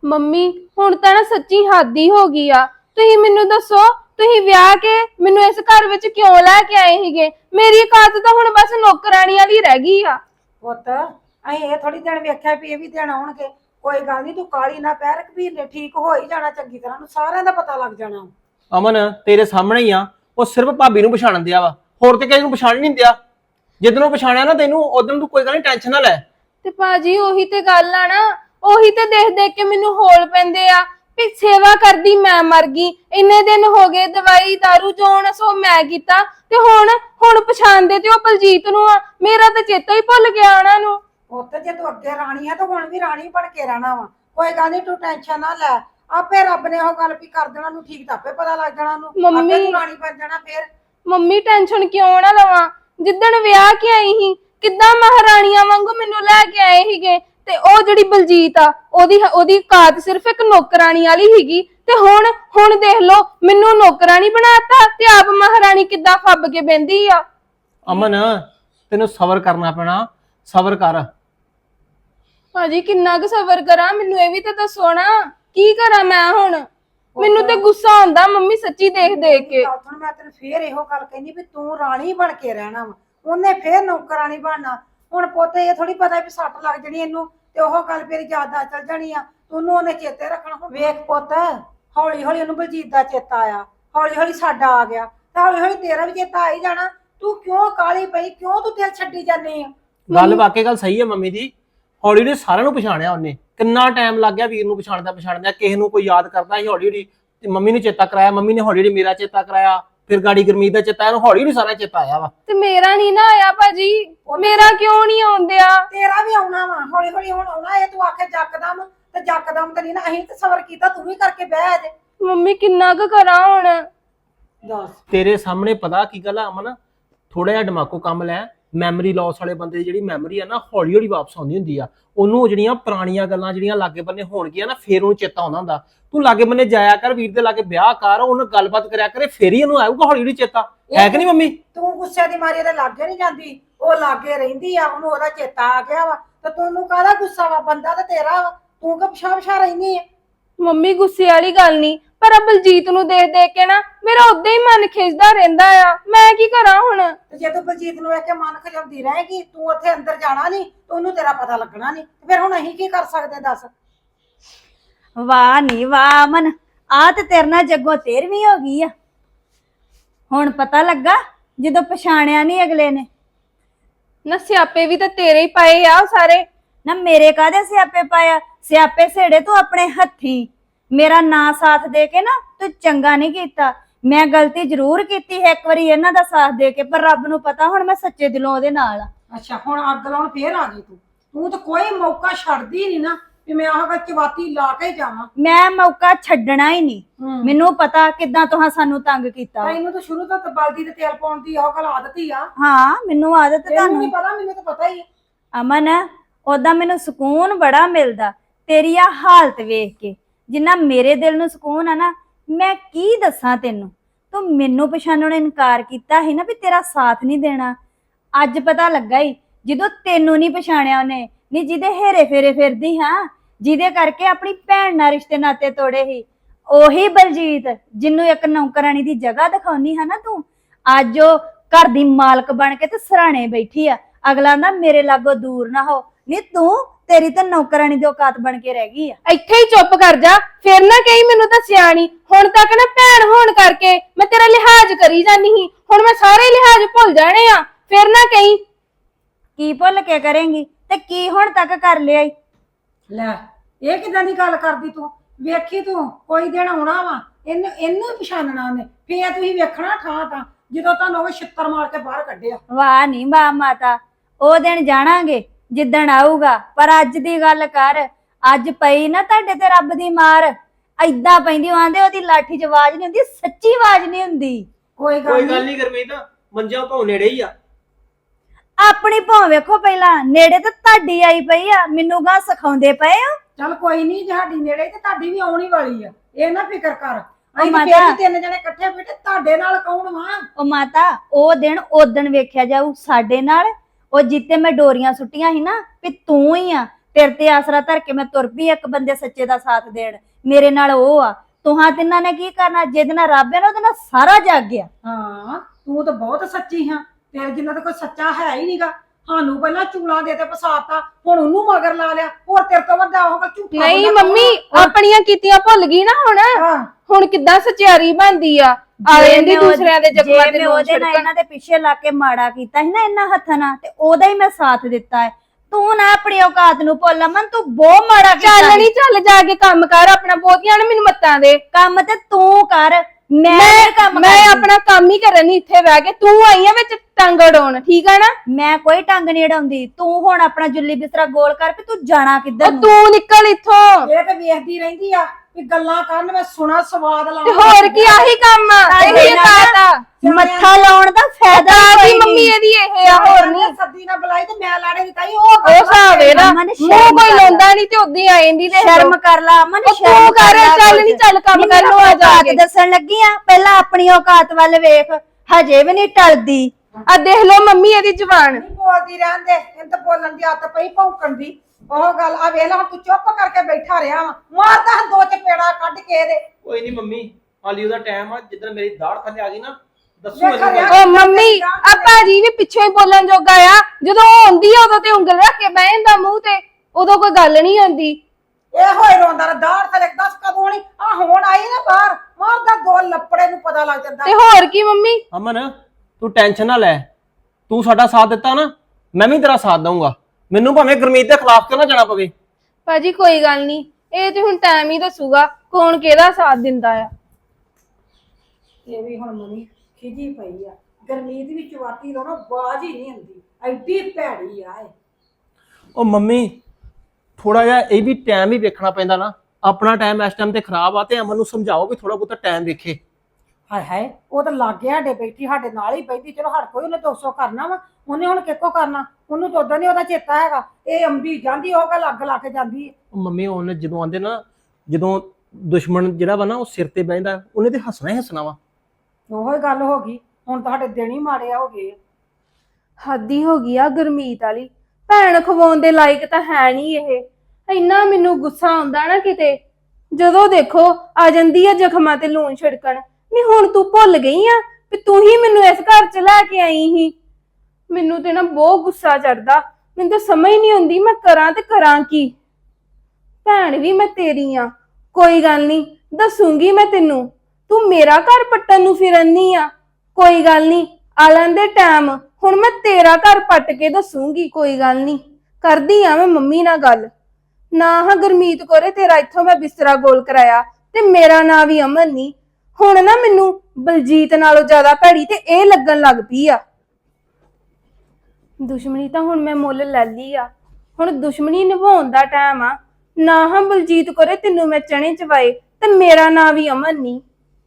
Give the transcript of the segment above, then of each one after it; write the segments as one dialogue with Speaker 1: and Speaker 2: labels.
Speaker 1: Mummy ਹੁਣ ਤਾਂ ਨਾ ਸੱਚੀ ਹੱਦ ਹੀ ਹੋ ਗਈ ਆ। ਤੁਸੀਂ ਮੈਨੂੰ ਦੱਸੋ, ਤੁਸੀਂ ਵਿਆਹ ਕੇ ਮੈਨੂੰ ਇਸ ਘਰ ਵਿੱਚ ਕਿਉਂ ਲੈ ਕੇ ਆਏ ਸੀਗੇ? ਮੇਰੀ ਔਕਾਤ ਤਾਂ ਹੁਣ ਬਸ ਨੌਕਰਾਣੀ ਵਾਲੀ ਰਹਿ ਗਈ ਆ।
Speaker 2: ਪੁੱਤ ਅਸੀਂ ਇਹ ਥੋੜੀ ਦਿਨ ਵੇਖਿਆ ਵੀ ਇਹ ਵੀ ਦਿਨ ਆਉਣਗੇ। ਕੋਈ ਗੱਲ ਨਹੀਂ, ਤੂੰ ਕਾਲੀ ਨਾ ਪੈ, ਰਘਬੀਰ ਨੇ ਠੀਕ ਹੋ ਹੀ ਜਾਣਾ ਚੰਗੀ ਤਰ੍ਹਾਂ, ਨੂੰ ਸਾਰਿਆਂ ਦਾ ਪਤਾ ਲੱਗ ਜਾਣਾ।
Speaker 3: ਅਮਨ ਤੇਰੇ ਸਾਹਮਣੇ ਹੀ ਆ, ਉਹ ਸਿਰਫ ਭਾਬੀ ਨੂੰ ਪਛਾਣਨ ਦਿਆ ਵਾ, ਹੋਰ ਤੇ ਕਿਸੇ ਨੂੰ ਪਛਾਣ ਨਹੀਂ ਦਿਆ। ਜਿੱਦਣੋਂ ਪਛਾਣਿਆ ਨਾ ਤੈਨੂੰ ਉਦੋਂ ਤੂੰ ਕੋਈ ਗੱਲ ਨਹੀਂ, ਟੈਨਸ਼ਨ ਨਾ ਲੈ।
Speaker 1: ਤੇ ਭਾਜੀ ਉਹੀ ਤੇ ਗੱਲ ਆ ਨਾ, ਉਹੀ ਤੇ ਦੇਖ ਦੇਖ ਕੇ ਮੈਨੂੰ ਹੋਲ ਪੈਂਦੇ ਆ ਵੀ ਸੇਵਾ ਕਰਦੀ ਮੈਂ ਮਰ ਗਈ। ਇੰਨੇ ਦਿਨ ਹੋ ਗਏ ਦਵਾਈ ਦਾਰੂ ਚੋਣ ਸੋ ਮੈਂ ਕੀਤਾ, ਤੇ ਹੁਣ ਪਛਾਣਦੇ ਤੇ ਉਹ ਬਲਜੀਤ ਨੂੰ ਆ। ਮੇਰਾ ਤਾਂ ਚੇਤਾ ਹੀ ਭੁੱਲ ਗਿਆ ਉਹਨਾਂ ਨੂੰ।
Speaker 2: ਪੁੱਤ ਜੇ ਤੂੰ ਅੱਗੇ ਰਾਣੀ ਆ ਤਾਂ ਹੁਣ ਵੀ ਰਾਣੀ ਬਣ ਕੇ ਰਹਿਣਾ ਵਾ। ਕੋਈ ਗੱਲ ਨਹੀਂ, ਤੂੰ ਟੈਨਸ਼ਨ ਨਾ ਲੈ। ਆਪੇ ਰੱਬ ਨੇ ਉਹ ਗੱਲ ਵੀ ਕਰ ਦੇਣਾ ਨੂੰ, ਠੀਕ ਤਾਂ ਆਪੇ ਪਤਾ ਲੱਗ ਜਾਣਾ ਨੂੰ।
Speaker 1: ਮੰਮੀ-
Speaker 2: ਆਪੇ ਤੂੰ ਰਾਣੀ ਬਣ ਜਾਣਾ ਫੇਰ।
Speaker 1: ਮੰਮੀ ਟੈਨਸ਼ਨ ਕਿਉਂ ਨਾ ਲਵਾਂ? ਜਿੱਦਣ ਵਿਆਹ ਕੇ ਆਈ ਸੀ ਕਿੱਦਾਂ ਮਹਾਰਾਣੀਆਂ ਵਾਂਗੂ ਮੈਨੂੰ ਲੈ ਕੇ ਆਏ ਸੀਗੇ, ਤੇ ਉਹ ਜਿਹੜੀ ਬਲਜੀਤ ਆ ਉਹਦੀ ਔਕਾਤ ਸਿਰਫ ਇੱਕ ਨੌਕਰਾਣੀ ਵਾਲੀ ਸੀਗੀ, ਤੇ ਹੁਣ ਦੇਖ ਲਓ ਮੈਨੂੰ ਨੌਕਰਾਣੀ ਬਣਾਤਾ ਤੇ ਆਪ ਮਹਾਰਾਣੀ ਕਿੱਦਾਂ ਫੱਬ ਕੇ ਬਹਿੰਦੀ ਆ।
Speaker 3: ਅਮਨ ਤੈਨੂੰ ਸਬਰ ਕਰਨਾ ਪੈਣਾ, ਸਬਰ ਕਰ।
Speaker 1: ਭਾਜੀ ਕਿੰਨਾ ਕੁ ਸਬਰ ਕਰਾਂ? ਮੈਨੂੰ ਇਹ ਵੀ ਤਾਂ ਦੱਸੋ ਨਾ, ਕੀ ਕਰਾਂ ਮੈਂ ਹੁਣ? ਮੈਨੂੰ ਤੇ ਗੁੱਸਾ ਆਉਂਦਾ ਮੰਮੀ ਸੱਚੀ ਦੇਖ ਦੇਖ ਕੇ।
Speaker 2: ਹੁਣ ਮੈਂ ਤੈਨੂੰ ਫੇਰ ਇਹੋ ਗੱਲ ਕਹਿੰਦੀ ਵੀ ਤੂੰ ਰਾਣੀ ਬਣ ਕੇ ਰਹਿਣਾ ਵਾ, ਉਹਨੇ ਫੇਰ ਨੌਕਰਾਣੀ ਬਣਨਾ। ਹੁਣ ਪੁੱਤ ਇਹ ਥੋੜੀ ਪਤਾ ਵੀ ਸੱਟ ਲੱਗ ਜਣੀ ਇਹਨੂੰ ਤੇ ਉਹ ਗੱਲ ਫੇਰ ਯਾਦਾਂ ਚੱਲ ਜਾਣੀ ਆ। ਤੈਨੂੰ ਉਹਨੇ ਚੇਤੇ ਰੱਖਣਾ। ਹੁਣ ਵੇਖ ਪੁੱਤ, ਹੌਲੀ ਹੌਲੀ ਉਹਨੂੰ ਬਲਜੀਤ ਦਾ ਚੇਤਾ ਆਇਆ, ਹੌਲੀ ਹੌਲੀ ਸਾਡਾ ਆ ਗਿਆ, ਤਾਂ ਹੌਲੀ ਹੌਲੀ ਤੇਰਾ ਵੀ ਚੇਤਾ ਆ ਹੀ ਜਾਣਾ। ਤੂੰ ਕਿਉਂ ਕਾਲੀ ਪਈ, ਕਿਉਂ ਤੂੰ ਦਿਲ ਛੱਡੀ ਜਾਂਦੀ ਆ?
Speaker 3: ਗੱਲ ਵਾਕਈ ਗੱਲ ਸਹੀ ਹੈ ਮੰਮੀ ਦੀ। ਹੌਲੀ ਹੌਲੀ ਸਾਰਿਆਂ ਨੂੰ ਪਛਾਣਿਆ ਉਹਨੇ, ਕਿੰਨਾ ਟਾਈਮ ਲੱਗ ਗਿਆ ਵੀਰ ਨੂੰ ਪਛਾਣਦਾ ਕਿਸੇ ਨੂੰ ਕੋਈ ਯਾਦ ਕਰਦਾ ਸੀ। ਹੌਲੀ ਹੌਲੀ ਤੇ ਮੰਮੀ ਨੂੰ ਚੇਤਾ ਕਰਾਇਆ, ਮੰਮੀ ਨੇ ਹੌਲੀ ਹੌਲੀ ਮੇਰਾ ਚੇਤਾ ਕਰਾਇਆ, ਫਿਰ ਗਾੜੀ ਗੁਰਮੀਤ ਦਾ ਚੇਤਾ, ਇਹਨੂੰ ਹੌਲੀ ਹੌਲੀ ਸਾਰਾ ਚੇਤਾ ਆਇਆ ਵਾ।
Speaker 1: ਤੇ ਮੇਰਾ ਨਹੀਂ ਨਾ ਆਇਆ ਭਾਜੀ, ਮੇਰਾ ਕਿਉਂ ਨਹੀਂ ਆਉਂਦਿਆ?
Speaker 2: ਤੇਰਾ ਵੀ ਆਉਣਾ ਵਾ, ਹੌਲੀ ਹੌਲੀ ਹੁਣ ਆਉਣਾ। ਇਹ ਤੂੰ ਆਖੇ ਜੱਕਦਮ ਤੇ ਜੱਕਦਮ ਤੇ ਨਹੀਂ ਨਾ। ਅਸੀਂ ਤੇ ਸਬਰ ਕੀਤਾ, ਤੂੰ ਵੀ ਕਰਕੇ ਬਹਿ ਜੇ।
Speaker 1: ਮੰਮੀ ਕਿੰਨਾ ਕੁ ਕਰਾਂ ਹੁਣ?
Speaker 2: ਦੱਸ।
Speaker 3: ਤੇਰੇ ਸਾਹਮਣੇ ਪਤਾ ਕੀ ਗੱਲ ਆ ਅਮਨ, ਥੋੜਾ ਜਿਹਾ ਦਿਮਾਗੋਂ ਕੰਮ ਲੈ। ਮੈਮਰੀ ਲਾਸ ਵਾਲੇ ਬੰਦੇ ਦੀ ਜਿਹੜੀ ਮੈਮਰੀ ਆ ਨਾ, ਹੌਲੀ ਹੌਲੀ ਵਾਪਸ ਆਉਂਦੀ ਹੁੰਦੀ ਆ। ਉਹਨੂੰ ਜਿਹੜੀਆਂ ਪੁਰਾਣੀਆਂ ਗੱਲਾਂ ਜਿਹੜੀਆਂ ਲਾਗੇ ਬੰਨੇ ਹੋਣਗੀਆਂ ਨਾ, ਫੇਰ ਉਹਨੂੰ ਚੇਤਾ ਆਉਂਦਾ ਹੁੰਦਾ। ਤੂੰ ਲਾਗੇ ਬੰਨੇ ਜਾਇਆ ਕਰ, ਵੀਰ ਦੇ ਲਾਗੇ ਵਿਆਹ ਕਰ, ਉਹਨੂੰ ਗੱਲਬਾਤ ਕਰਿਆ ਕਰੇ, ਫੇਰ ਹੀ ਉਹਨੂੰ ਆਊਗਾ ਹੌਲੀ ਹੌਲੀ ਚੇਤਾ। ਹੈ ਕਿ ਨਹੀਂ ਮੰਮੀ?
Speaker 2: ਤੂੰ ਗੁੱਸੇ ਦੀ ਮਾਰੀ ਇਹਦੇ ਲਾਗੇ ਨਹੀਂ ਜਾਂਦੀ, ਉਹ ਲਾਗੇ ਰਹਿੰਦੀ ਆ, ਉਹਨੂੰ ਉਹਦਾ ਚੇਤਾ ਆ ਗਿਆ ਵਾ। ਤੇ ਤੈਨੂੰ ਕਾਹਦਾ ਗੁੱਸਾ ਵਾ? ਬੰਦਾ ਤਾਂ ਤੇਰਾ ਵਾ, ਤੂੰ ਕਿ ਪਛਾਣ ਰਹਿਨੀ ਆ।
Speaker 1: ਮੰਮੀ ਗੁੱਸੇ ਵਾਲੀ ਗੱਲ ਨਹੀਂ, ਪਰ ਆ ਬਲਜੀਤ ਨੂੰ ਦੇਖ ਦੇਖ ਕੇ ਨਾ ਮੇਰਾ ਉਦਾਂ ਹੀ ਮਨ ਖਿੱਚਦਾ ਰਹਿੰਦਾ ਆ। ਮੈਂ ਕੀ ਕਰਾਂ ਹੁਣ?
Speaker 2: ਤੇ ਜੇ ਤੂੰ ਬਲਜੀਤ ਨੂੰ ਵੇਖ ਕੇ ਮਨ ਖਿਜਾਉਂਦੀ ਰਹੇਗੀ, ਤੂੰ ਉੱਥੇ ਅੰਦਰ ਜਾਣਾ ਨਹੀਂ, ਤੇ ਉਹਨੂੰ ਤੇਰਾ ਪਤਾ ਲੱਗਣਾ ਨਹੀਂ। ਫਿਰ ਹੁਣ ਅਸੀਂ ਕੀ ਕਰ ਸਕਦੇ ਦੱਸ?
Speaker 4: ਵਾਹ ਨੀ ਵਾਹ ਅਮਨ, ਆ ਤੇ ਤੇਰੇ ਨਾਲ ਜੱਗੋਂ 13ਵੀਂ ਹੋ ਗਈ ਆ। ਹੁਣ ਪਤਾ ਲੱਗਾ ਜਦੋਂ ਪਛਾਣਿਆ ਨਹੀਂ ਅਗਲੇ ਨੇ।
Speaker 1: ਨਾ ਸਿਆਪੇ ਵੀ ਤਾਂ ਤੇਰੇ ਹੀ ਪਾਏ ਆ ਸਾਰੇ।
Speaker 4: ਨਾ ਮੇਰੇ ਕਾਹਦੇ ਸਿਆਪੇ ਪਾਇਆ? ਸਿਆਪੇ ਸੇੜੇ ਤੂੰ ਆਪਣੇ ਹੱਥੀ। ਮੇਰਾ ਨਾਂ ਸਾਥ ਦੇ ਕੇ ਨਾ ਤੂੰ ਚੰਗਾ ਨਹੀਂ ਕੀਤਾ। ਮੈਂ ਗਲਤੀ ਜ਼ਰੂਰ ਕੀਤੀ ਹੈ ਇੱਕ ਵਾਰੀ ਇਹਨਾਂ ਦਾ ਸਾਥ ਦੇ ਕੇ, ਪਰ ਰੱਬ ਨੂੰ ਪਤਾ ਹੁਣ ਮੈਂ ਸੱਚੇ ਦਿਲੋਂ ਉਹਦੇ ਨਾਲ ਆ।
Speaker 2: ਅੱਛਾ, ਹੁਣ ਅੱਗ ਲਾਉਣ ਫੇਰ ਆ ਗਈ ਤੂੰ ਤਾਂ ਕੋਈ ਮੌਕਾ ਛੱਡਦੀ ਨਹੀਂ ਨਾ ਵੀ ਮੈਂ ਆਹ ਚਵਾਤੀ ਲਾ ਕੇ ਜਾਵਾਂ।
Speaker 4: ਮੈਂ ਮੌਕਾ ਛੱਡਣਾ ਹੀ ਨਹੀਂ। ਮੈਨੂੰ ਪਤਾ ਕਿੱਦਾਂ ਤੁਹਾਂ ਸਾਨੂੰ ਤੰਗ ਕੀਤਾ।
Speaker 2: ਤੈਨੂੰ ਤਾਂ ਸ਼ੁਰੂ ਤੋਂ ਬਲਦੀ ਤੇ ਤੇਲ ਪਾਉਣ ਦੀ ਉਹ ਗੱਲ ਆਦਤ ਹੀ ਆ।
Speaker 4: ਹਾਂ ਮੈਨੂੰ ਆਦਤ
Speaker 2: ਤੈਨੂੰ ਨਹੀਂ ਪਤਾ, ਮੈਨੂੰ ਤਾਂ ਪਤਾ ਹੀ ਹੈ।
Speaker 4: ਅਮਨ ਉਹਦਾ ਮੈਨੂੰ ਸਕੂਨ ਬੜਾ ਮਿਲਦਾ ਤੇਰੀ ਆ ਹਾਲਤ ਵੇਖ ਕੇ। ਜਿੰਨਾ ਮੇਰੇ ਦਿਲ ਨੂੰ ਸਕੂਨ ਆ ਨਾ, ਮੈਂ ਕੀ ਦੱਸਾਂ ਤੈਨੂੰ। ਤੂੰ ਮੈਨੂੰ ਪਛਾਣਨ ਇਨਕਾਰ ਕੀਤਾ ਸੀ ਨਾ ਵੀ ਤੇਰਾ ਸਾਥ ਨਹੀਂ ਦੇਣਾ। ਅੱਜ ਪਤਾ ਲੱਗਾ ਹੀ ਜਦੋਂ ਤੈਨੂੰ ਨਹੀਂ ਪਛਾਣਿਆ ਉਹਨੇ, ਨਹੀਂ ਜਿਹਦੇ ਹੇਰੇ ਫੇਰੇ ਫਿਰਦੀ ਹਾਂ, ਜਿਹਦੇ ਕਰਕੇ ਆਪਣੀ ਭੈਣ ਨਾਲ ਰਿਸ਼ਤੇ ਨਾਤੇ ਤੋੜੇ ਸੀ, ਉਹੀ ਬਲਜੀਤ ਜਿਹਨੂੰ ਇੱਕ ਨੌਕਰਾਨੀ ਦੀ ਜਗ੍ਹਾ ਦਿਖਾਉਣੀ ਹੈ ਨਾ ਤੂੰ। ਅੱਜ ਉਹ ਘਰ ਦੀ ਮਾਲਕ ਬਣ ਕੇ ਤੇ ਸਰਾਣੇ ਬੈਠੀ ਆ। ਅਗਲਾ ਨਾ ਮੇਰੇ ਲਾਗੋਂ ਦੂਰ ਨਾ ਹੋ। ਨਹੀਂ ਤੂੰ, ਤੇਰੀ ਤਾਂ ਨੌਕਰਾਨੀ ਦੀ ਔਕਾਤ ਬਣ ਕੇ ਰਹਿ ਗਈ ਆ।
Speaker 1: ਇੱਥੇ ਹੀ ਚੁੱਪ ਕਰ ਜਾ, ਫਿਰ ਨਾ ਕਹੀ ਮੈਨੂੰ ਤਾਂ ਸਿਆਣੀ। ਹੁਣ ਤੱਕ ਨਾ ਭੈਣ ਹੋਣ ਕਰਕੇ ਮੈਂ ਤੇਰਾ ਲਿਹਾਜ਼ ਕਰੀ ਜਾਂਦੀ ਸੀ, ਹੁਣ ਮੈਂ ਸਾਰੇ ਲਿਹਾਜ਼ ਭੁੱਲ ਜਾਣੇ ਆ। ਫਿਰ ਨਾ ਕਹੀ।
Speaker 4: ਕੀ ਭੁੱਲ ਕੇ ਕਰੇਂਗੀ ਤੇ ਕੀ ਹੁਣ ਤੱਕ ਕਰ ਲਿਆ ਈ?
Speaker 2: ਲੈ ਇਹ ਕਿਦਾਂ ਦੀ ਗੱਲ ਕਰਦੀ ਤੂੰ? ਵੇਖੀ ਤੂੰ ਕੋਈ ਦਿਨ ਆਉਣਾ ਵਾ, ਇਹਨੂੰ ਪਛਾਣਨਾ ਉਹਨੇ, ਫੇਰ ਤੁਸੀਂ ਵੇਖਣਾ ਠਾਂ ਤਾਂ ਜਦੋਂ ਤੁਹਾਨੂੰ ਉਹ ਛਿੱਤਰ ਮਾਰ ਕੇ ਬਾਹਰ ਕੱਢਿਆ।
Speaker 4: ਵਾਹ ਨੀ ਵਾਹ ਮਾਤਾ, ਉਹ ਦਿਨ ਜਾਣਾਂਗੇ ਜਿੱਦਣ ਆਊਗਾ। ਪਰ ਅੱਜ ਦੀ ਗੱਲ ਕਰ। ਅੱਜ ਪਈ ਨਾ ਤੁਹਾਡੇ ਤੇ ਰੱਬ ਦੀ ਮਾਰ, ਐਦਾਂ ਪੈਂਦੀ ਆਂਦੇ ਉਹਦੀ ਲਾਠੀ 'ਚ ਆਵਾਜ਼ ਨਹੀਂ ਹੁੰਦੀ, ਸੱਚੀ ਆਵਾਜ਼ ਨਹੀਂ ਹੁੰਦੀ।
Speaker 2: ਕੋਈ
Speaker 3: ਕੋਈ
Speaker 2: ਗੱਲ
Speaker 3: ਗੱਲ
Speaker 2: ਨਹੀਂ।
Speaker 3: ਨਹੀਂ ਗੁਰਮੀਤ, ਮੰਜਾ ਭਾਉ ਨੇੜੇ ਹੀ ਆ।
Speaker 4: ਆਪਣੀ ਭੌਂ ਵੇਖੋ ਪਹਿਲਾਂ, ਨੇੜੇ ਤੇ ਤੁਹਾਡੀ ਆਈ ਪਈ ਆ, ਮੈਨੂੰ ਗਾ ਸਿਖਾਉਂਦੇ ਪਏ ਆ।
Speaker 2: ਚੱਲ ਕੋਈ ਨਹੀਂ, ਜੇ ਸਾਡੀ ਨੇੜੇ ਤੇ ਤੁਹਾਡੀ ਵੀ ਆਉਣੀ ਵਾਲੀ ਆ, ਇਹ ਨਾ ਫਿਕਰ ਕਰ। ਅਸੀਂ
Speaker 4: ਮਾਤਾ,
Speaker 2: ਫੇਰ ਵੀ ਤਿੰਨ ਜਣੇ ਇਕੱਠੇ ਬੈਠੇ, ਤੁਹਾਡੇ ਨਾਲ ਕੌਣ ਵਾ?
Speaker 4: ਉਹ ਮਾਤਾ ਉਹ ਦਿਨ ਉਦਣ ਵੇਖਿਆ ਜਾਊ ਸਾਡੇ ਨਾਲ। ਉਹ ਜਿੱਤੇ ਮੈਂ ਡੋਰੀਆਂ ਸੁੱਟੀਆਂ ਸੀ ਨਾ ਵੀ ਤੂੰ ਹੀ ਆ, ਤੇਰੇ ਤੇ ਆਸਰਾ ਧਰ ਕੇ ਮੈਂ ਤੁਰ ਪਈ ਇੱਕ ਬੰਦੇ ਸੱਚੇ ਦਾ ਸਾਥ ਦੇਣ। ਮੇਰੇ ਨਾਲ ਉਹ ਆ, ਤੁਹਾਂ ਤਿੰਨਾਂ ਨੇ ਕੀ ਕਰਨਾ? ਜਿਹਦੇ ਨਾਲ ਰੱਬ ਹੈ ਨਾ ਉਹਦੇ ਨਾਲ ਸਾਰਾ ਜੱਗ ਗਿਆ।
Speaker 2: ਹਾਂ ਤੂੰ ਤਾਂ ਬਹੁਤ ਸੱਚੀ ਹਾਂ, ਤੇਰੇ ਜਿੰਨਾ ਤਾਂ ਕੋਈ ਸੱਚਾ ਹੈ ਹੀ ਨਹੀਂਗਾ। ਸਾਨੂੰ ਪਹਿਲਾਂ ਚੂਲਾਂ ਦੇ ਤੇ ਫਸਾਤਾ, ਹੁਣ ਉਹਨੂੰ ਮਗਰ ਲਾ ਲਿਆ। ਹੋਰ ਤੇਰੇ ਤੋਂ ਵੱਡਾ ਉਹ ਝੂਠਾ
Speaker 1: ਨਹੀਂ
Speaker 2: ਬੰਦਾ
Speaker 1: ਮੰਮੀ,
Speaker 2: ਕੌਣ ਆ?
Speaker 1: ਆਪਣੀਆਂ ਕੀਤੀਆਂ ਭੁੱਲ ਗਈ ਨਾ ਹੁਣ।
Speaker 2: ਹਾਂ
Speaker 1: ਹੁਣ ਕਿੱਦਾਂ ਸਚਿਆਰੀ ਬਣਦੀ ਆ ਜਾਂਦੀ ਦੂਸਰਿਆਂ ਦੇ ਜਗਮਾਂ
Speaker 4: ਜੇ
Speaker 1: ਤੇ
Speaker 4: ਮੈਂ
Speaker 1: ਲੂਣ
Speaker 4: ਉਹਦੇ ਨਾਲ
Speaker 1: ਛਿੜਕਣ।
Speaker 4: ਇਹਨਾਂ ਦੇ ਪਿੱਛੇ ਲਾ ਕੇ ਮਾੜਾ ਕੀਤਾ ਸੀ ਨਾ ਇਹਨਾਂ ਹੱਥਾਂ ਨਾਲ, ਤੇ ਉਹਦਾ ਹੀ ਮੈਂ ਸਾਥ ਦਿੱਤਾ ਹੈ। ਤੂੰ ਨਾ ਆਪਣੀ ਔਕਾਤ ਨੂੰ ਭੁੱਲ ਅਮਨ, ਤੂੰ ਬਹੁਤ ਮਾੜਾ ਕੀਤਾ
Speaker 1: ਚੱਲ ਨਹੀਂ, ਚੱਲ ਜਾ ਕੇ ਕੰਮ ਕਰ ਆਪਣਾ, ਬਹੁਤੀਆਂ ਨਾ ਮੈਨੂੰ ਮੱਤਾਂ ਦੇ।
Speaker 4: ਕੰਮ ਤੇ ਤੂੰ ਕਰ, ਮੈਂ ਨਹੀਂ ਕੰਮ
Speaker 1: ਮੈਂ
Speaker 4: ਕਰਦੀ।
Speaker 1: ਆਪਣਾ ਕੰਮ ਹੀ ਕਰਨੀ ਇੱਥੇ ਬਹਿ ਕੇ, ਤੂੰ ਆਈ ਆ ਵਿੱਚ ਟੰਗ ਅਡਾਉਣ, ਠੀਕ ਆ ਨਾ?
Speaker 4: ਮੈਂ ਕੋਈ ਟੰਗ ਨਹੀਂ ਅੜਾਉਂਦੀ। ਤੂੰ ਹੁਣ ਆਪਣਾ ਜੁੱਲੀ ਬਿਸਤਰਾ ਗੋਲ ਕਰ ਵੀ ਤੂੰ ਜਾਣਾ ਕਿੱਧਰ
Speaker 1: ਉਹ
Speaker 4: ਨੂੰ।
Speaker 1: ਤੂੰ ਨਿਕਲ ਇੱਥੋਂ।
Speaker 2: ਇਹ ਤੇ ਵੇਖਦੀ ਰਹਿੰਦੀ ਆ ਵੀ ਗੱਲਾਂ ਕਰਨ, ਮੈਂ ਸੁਣਾ ਸਵਾਦ
Speaker 1: ਤੇ
Speaker 2: ਲਾਵਾਂ।
Speaker 1: ਹੋਰ ਕੀ, ਆਹੀ ਕੰਮ ਆ, ਇਹੀ ਕਾਤ ਆ।
Speaker 4: ਮੱਥਾ ਲਾਉਣ ਦਾ ਫਾਇਦਾ
Speaker 1: ਕਾਤ
Speaker 4: ਕੋਈ
Speaker 1: ਹੀ ਮੰਮੀ
Speaker 4: ਨਹੀਂ।
Speaker 1: ਇਹਦੀ ਇਹ ਆ, ਹੋਰ ਨਹੀਂ।
Speaker 2: ਸੱਦੀ ਨਾ ਬੁਲਾਈ ਤੇ ਮੈਂ ਲਾੜੇ ਦੀ ਤਾਈ
Speaker 1: ਉਹ ਹਿਸਾਬ ਹੈ ਨਾ,
Speaker 4: ਅਮਨ
Speaker 1: ਮੂੰਹ
Speaker 4: ਸ਼ਰਮ
Speaker 1: ਕੋਈ
Speaker 4: ਕਰ ਲੈ।
Speaker 1: ਲਾਉਂਦਾ ਨਹੀਂ ਤੇ ਉਦਾਂ ਹੀ ਆ ਜਾਂਦੀ। ਦੇਖ ਲਓ।
Speaker 4: ਸ਼ਰਮ ਕਰ ਲਾ ਅਮਨ,
Speaker 1: ਉਹ
Speaker 4: ਸ਼ਰਮ
Speaker 1: ਤੂੰ ਕਰ,
Speaker 4: ਲੈ
Speaker 1: ਚੱਲ
Speaker 4: ਕੁਛ।
Speaker 1: ਨਹੀਂ, ਚੱਲ ਕੰਮ
Speaker 4: ਨਹੀਂ,
Speaker 1: ਕਰ ਲਓ ਆ ਜਾ
Speaker 4: ਔਕਾਤ
Speaker 1: ਕੇ।
Speaker 4: ਦੱਸਣ ਲੱਗੀ ਆ, ਪਹਿਲਾਂ ਆਪਣੀ ਔਕਾਤ ਵੱਲ ਵੇਖ, ਹਜੇ ਵੀ ਨਹੀਂ ਟਲਦੀ।
Speaker 1: ਆ ਦੇਖ ਲਓ ਮੰਮੀ ਇਹਦੀ ਜ਼ੁਬਾਨ।
Speaker 2: ਨਹੀਂ ਬੋਲਦੀ ਰਹਿਣ ਦੇ, ਇਹਨੂੰ ਤਾਂ ਬੋਲਣ ਦੀ ਆਦਤ ਪਈ ਭੌਂਕਣ ਦੀ। ਉਹ ਗੱਲ ਆ ਵੇਖ ਲਾ, ਹੁਣ ਤੂੰ ਚੁੱਪ ਕਰਕੇ ਬੈਠਾ ਰਿਹਾ ਵਾ, ਮਾਰਦਾ ਹਾਂ ਦੋ ਚਪੇੜਾ ਕੱਢ ਕੇ ਇਹਦੇ।
Speaker 3: ਕੋਈ ਨਹੀਂ ਮੰਮੀ, ਹਾਲੀ ਉਹਦਾ ਟਾਈਮ ਆ, ਜਿੱਦਣ ਮੇਰੀ ਦਾੜ ਥੱਲੇ ਆ ਗਈ ਨਾ, ਦੱਸੋ
Speaker 2: ਵੇਖਿਆ
Speaker 3: ਇਹਨੂੰ
Speaker 2: ਰਿਹਾ।
Speaker 1: ਓ ਮੰਮੀ, ਆ ਭਾਜੀ ਵੀ ਪਿੱਛੋਂ ਹੀ ਬੋਲਣ ਜੋਗਾ ਆ। ਜਦੋਂ ਉਹ ਆਉਂਦੀ ਆ ਉਦੋਂ ਤੇ ਉਂਗਲ ਰੱਖ ਕੇ ਬਹਿ ਜਾਂਦਾ ਮੂੰਹ ਤੇ, ਉਦੋਂ ਕੋਈ ਗੱਲ ਨਹੀਂ ਆਉਂਦੀ।
Speaker 2: ਇਹ ਹੋਏ ਰੋਂਦਾ ਰ ਦਾੜ ਥਲੇ ਦੱਸ ਕਦੋਂ ਨਹੀਂ ਆ ਹੁਣ ਆਈ ਨਾ ਬਾਹਰ, ਮਾਰਦਾ ਦੋ ਲੱਪੜੇ ਨੂੰ ਪਤਾ ਲੱਗ ਜਾਂਦਾ।
Speaker 1: ਤੇ ਹੋਰ ਕੀ ਮੰਮੀ,
Speaker 3: ਅਮਨ ਤੂੰ ਟੈਨਸ਼ਨ ਨਾ ਲੈ, ਤੂੰ ਸਾਡਾ ਸਾਥ ਦਿੱਤਾ ਨਾ, ਮੈਂ ਵੀ ਤੇਰਾ ਸਾਥ ਦਊਂਗਾ। ਮੈਨੂੰ ਭਾਵੇਂ ਗੁਰਮੀਤ ਦੇ ਖਿਲਾਫ ਕਿਉਂ ਨਾ ਜਾਣਾ ਪਵੇ।
Speaker 1: ਭਾਜੀ ਕੋਈ ਗੱਲ ਨਹੀਂ, ਇਹ ਤੇ ਹੁਣ ਟਾਈਮ ਹੀ ਦੱਸੂਗਾ ਕੌਣ ਕਿਹਦਾ ਸਾਥ ਦਿੰਦਾ ਆ।
Speaker 2: ਇਹ ਵੀ ਹੁਣ ਮਨੀ ਖਿਜੀ ਪਈ ਆ, ਗਰਮੀਤ ਵੀ ਚਵਾਤੀ ਤੋਂ ਨਾ ਬਾਜ ਹੀ ਨਹੀਂ ਹੁੰਦੀ, ਐਡੀ ਭੈੜੀ ਆ ਇਹ।
Speaker 3: ਉਹ ਮੰਮੀ ਥੋੜਾ ਜਿਹਾ ਇਹ ਵੀ ਟਾਈਮ ਹੀ ਵੇਖਣਾ ਪੈਂਦਾ ਨਾ, ਆਪਣਾ ਟਾਈਮ ਇਸ ਟਾਈਮ ਤੇ ਖਰਾਬ ਆ, ਤੇ ਅਮਨ ਨੂੰ ਸਮਝਾਓ ਵੀ ਥੋੜਾ ਬਹੁਤਾ ਟਾਈਮ ਵੇਖੇ।
Speaker 2: ਹਾਏ ਹਾਏ, ਉਹ ਤਾਂ ਲੱਗ ਗਿਆ ਸਾਡੇ ਬੈਠੀ, ਸਾਡੇ ਨਾਲ ਹੀ ਬੈਠੀ। ਚਲੋ ਹਰ ਕੋਈ ਉਹਨੇ 200 ਕਰਨਾ ਵਾ, ਉਹਨੇ ਹੁਣ ਕਿੱਕੋ ਕਰਨਾ, ਉਹਨੂੰ ਤਾਂ ਉਦਾਂ ਨਹੀਂ ਉਹਦਾ ਚੇਤਾ ਹੈਗਾ। ਇਹ ਅੰਬੀ ਜਾਂਦੀ, ਉਹ ਗੱਲ ਅੱਗ ਲਾ ਕੇ ਜਾਂਦੀ ਹੈ।
Speaker 3: ਉਹ ਮੰਮੀ ਉਹਨੇ ਜਦੋਂ ਆਂਦੇ ਨਾ, ਜਦੋਂ ਦੁਸ਼ਮਣ ਜਿਹੜਾ ਵਾ ਨਾ ਉਹ ਸਿਰ ਤੇ ਬਹਿੰਦਾ, ਉਹਨੇ ਤੇ ਹੱਸਣਾ ਹੀ ਹੱਸਣਾ ਵਾ।
Speaker 2: ਉਹੋ ਹੀ ਗੱਲ ਹੋ ਗਈ, ਹੁਣ ਤੁਹਾਡੇ ਦਿਨ ਹੀ ਮਾੜੇ ਹੋ ਗਏ।
Speaker 1: ਹੱਦ ਹੀ ਹੋ ਗਈ ਆ ਗੁਰਮੀਤ ਵਾਲੀ, ਭੈਣ ਖਵਾਉਣ ਦੇ ਲਾਇਕ ਤਾਂ ਹੈ ਨਹੀਂ ਇਹ। ਇੰਨਾ ਮੈਨੂੰ ਗੁੱਸਾ ਆਉਂਦਾ ਨਾ ਕਿਤੇ, ਜਦੋਂ ਦੇਖੋ ਆ ਜਾਂਦੀ ਆ ਜ਼ਖਮਾਂ ਤੇ ਲੂਣ ਛਿੜਕਣ। ਨਹੀਂ ਹੁਣ ਤੂੰ ਭੁੱਲ ਗਈ ਆ ਵੀ ਤੂੰ ਹੀ ਮੈਨੂੰ ਇਸ ਘਰ ਚ ਲੈ ਕੇ ਆਈ ਸੀ। ਮੈਨੂੰ ਤੇ ਨਾ ਬਹੁਤ ਗੁੱਸਾ ਚੜਦਾ, ਮੈਨੂੰ ਤਾਂ ਸਮਝ ਨਹੀਂ ਆਉਂਦੀ ਮੈਂ ਕਰਾਂ ਤੇ ਕਰਾਂ ਕੀ। ਭੈਣ ਵੀ ਮੈਂ ਤੇਰੀ ਆ, ਕੋਈ ਗੱਲ ਨਹੀਂ, ਦੱਸੂਗੀ ਮੈਂ ਤੈਨੂੰ। ਤੂੰ ਮੇਰਾ ਘਰ ਪੱਟਣ ਨੂੰ ਫਿਰਨੀ ਆ, ਕੋਈ ਗੱਲ ਨਹੀਂ, ਆ ਲੈਂਦੇ ਟਾਈਮ, ਹੁਣ ਮੈਂ ਤੇਰਾ ਘਰ ਪੱਟ ਕੇ ਦੱਸੂਗੀ। ਕੋਈ ਗੱਲ ਨਹੀਂ, ਕਰਦੀ ਆ ਮੈਂ ਮੰਮੀ ਨਾਲ ਗੱਲ। ਨਾ ਹਾਂ ਗੁਰਮੀਤ ਕੋਰੇ ਤੇਰਾ ਇੱਥੋਂ ਮੈਂ ਬਿਸਤਰਾ ਗੋਲ ਕਰਾਇਆ, ਤੇ ਮੇਰਾ ਨਾਂ ਵੀ ਅਮਨ ਨਹੀਂ। ਹੁਣ ਨਾ ਮੈਨੂੰ ਬਲਜੀਤ ਨਾਲੋਂ ਜ਼ਿਆਦਾ ਭੈੜੀ ਤੇ ਇਹ ਲੱਗਣ ਲੱਗ ਪਈ ਆ। ਦੁਸ਼ਮਣੀ ਤਾਂ ਹੁਣ ਮੈਂ ਮੁੱਲ ਲੈ ਲਈ ਆ, ਹੁਣ ਦੁਸ਼ਮਣੀ ਨਿਭਾਉਣ ਦਾ ਟਾਈਮ ਆ। ਨਾ ਹਾਂ ਬਲਜੀਤ ਕੋਰੇ ਤੈਨੂੰ ਮੈਂ ਚਣੇ ਚਵਾਏ, ਤੇ ਮੇਰਾ ਨਾਂ ਵੀ ਅਮਨ ਨਹੀਂ।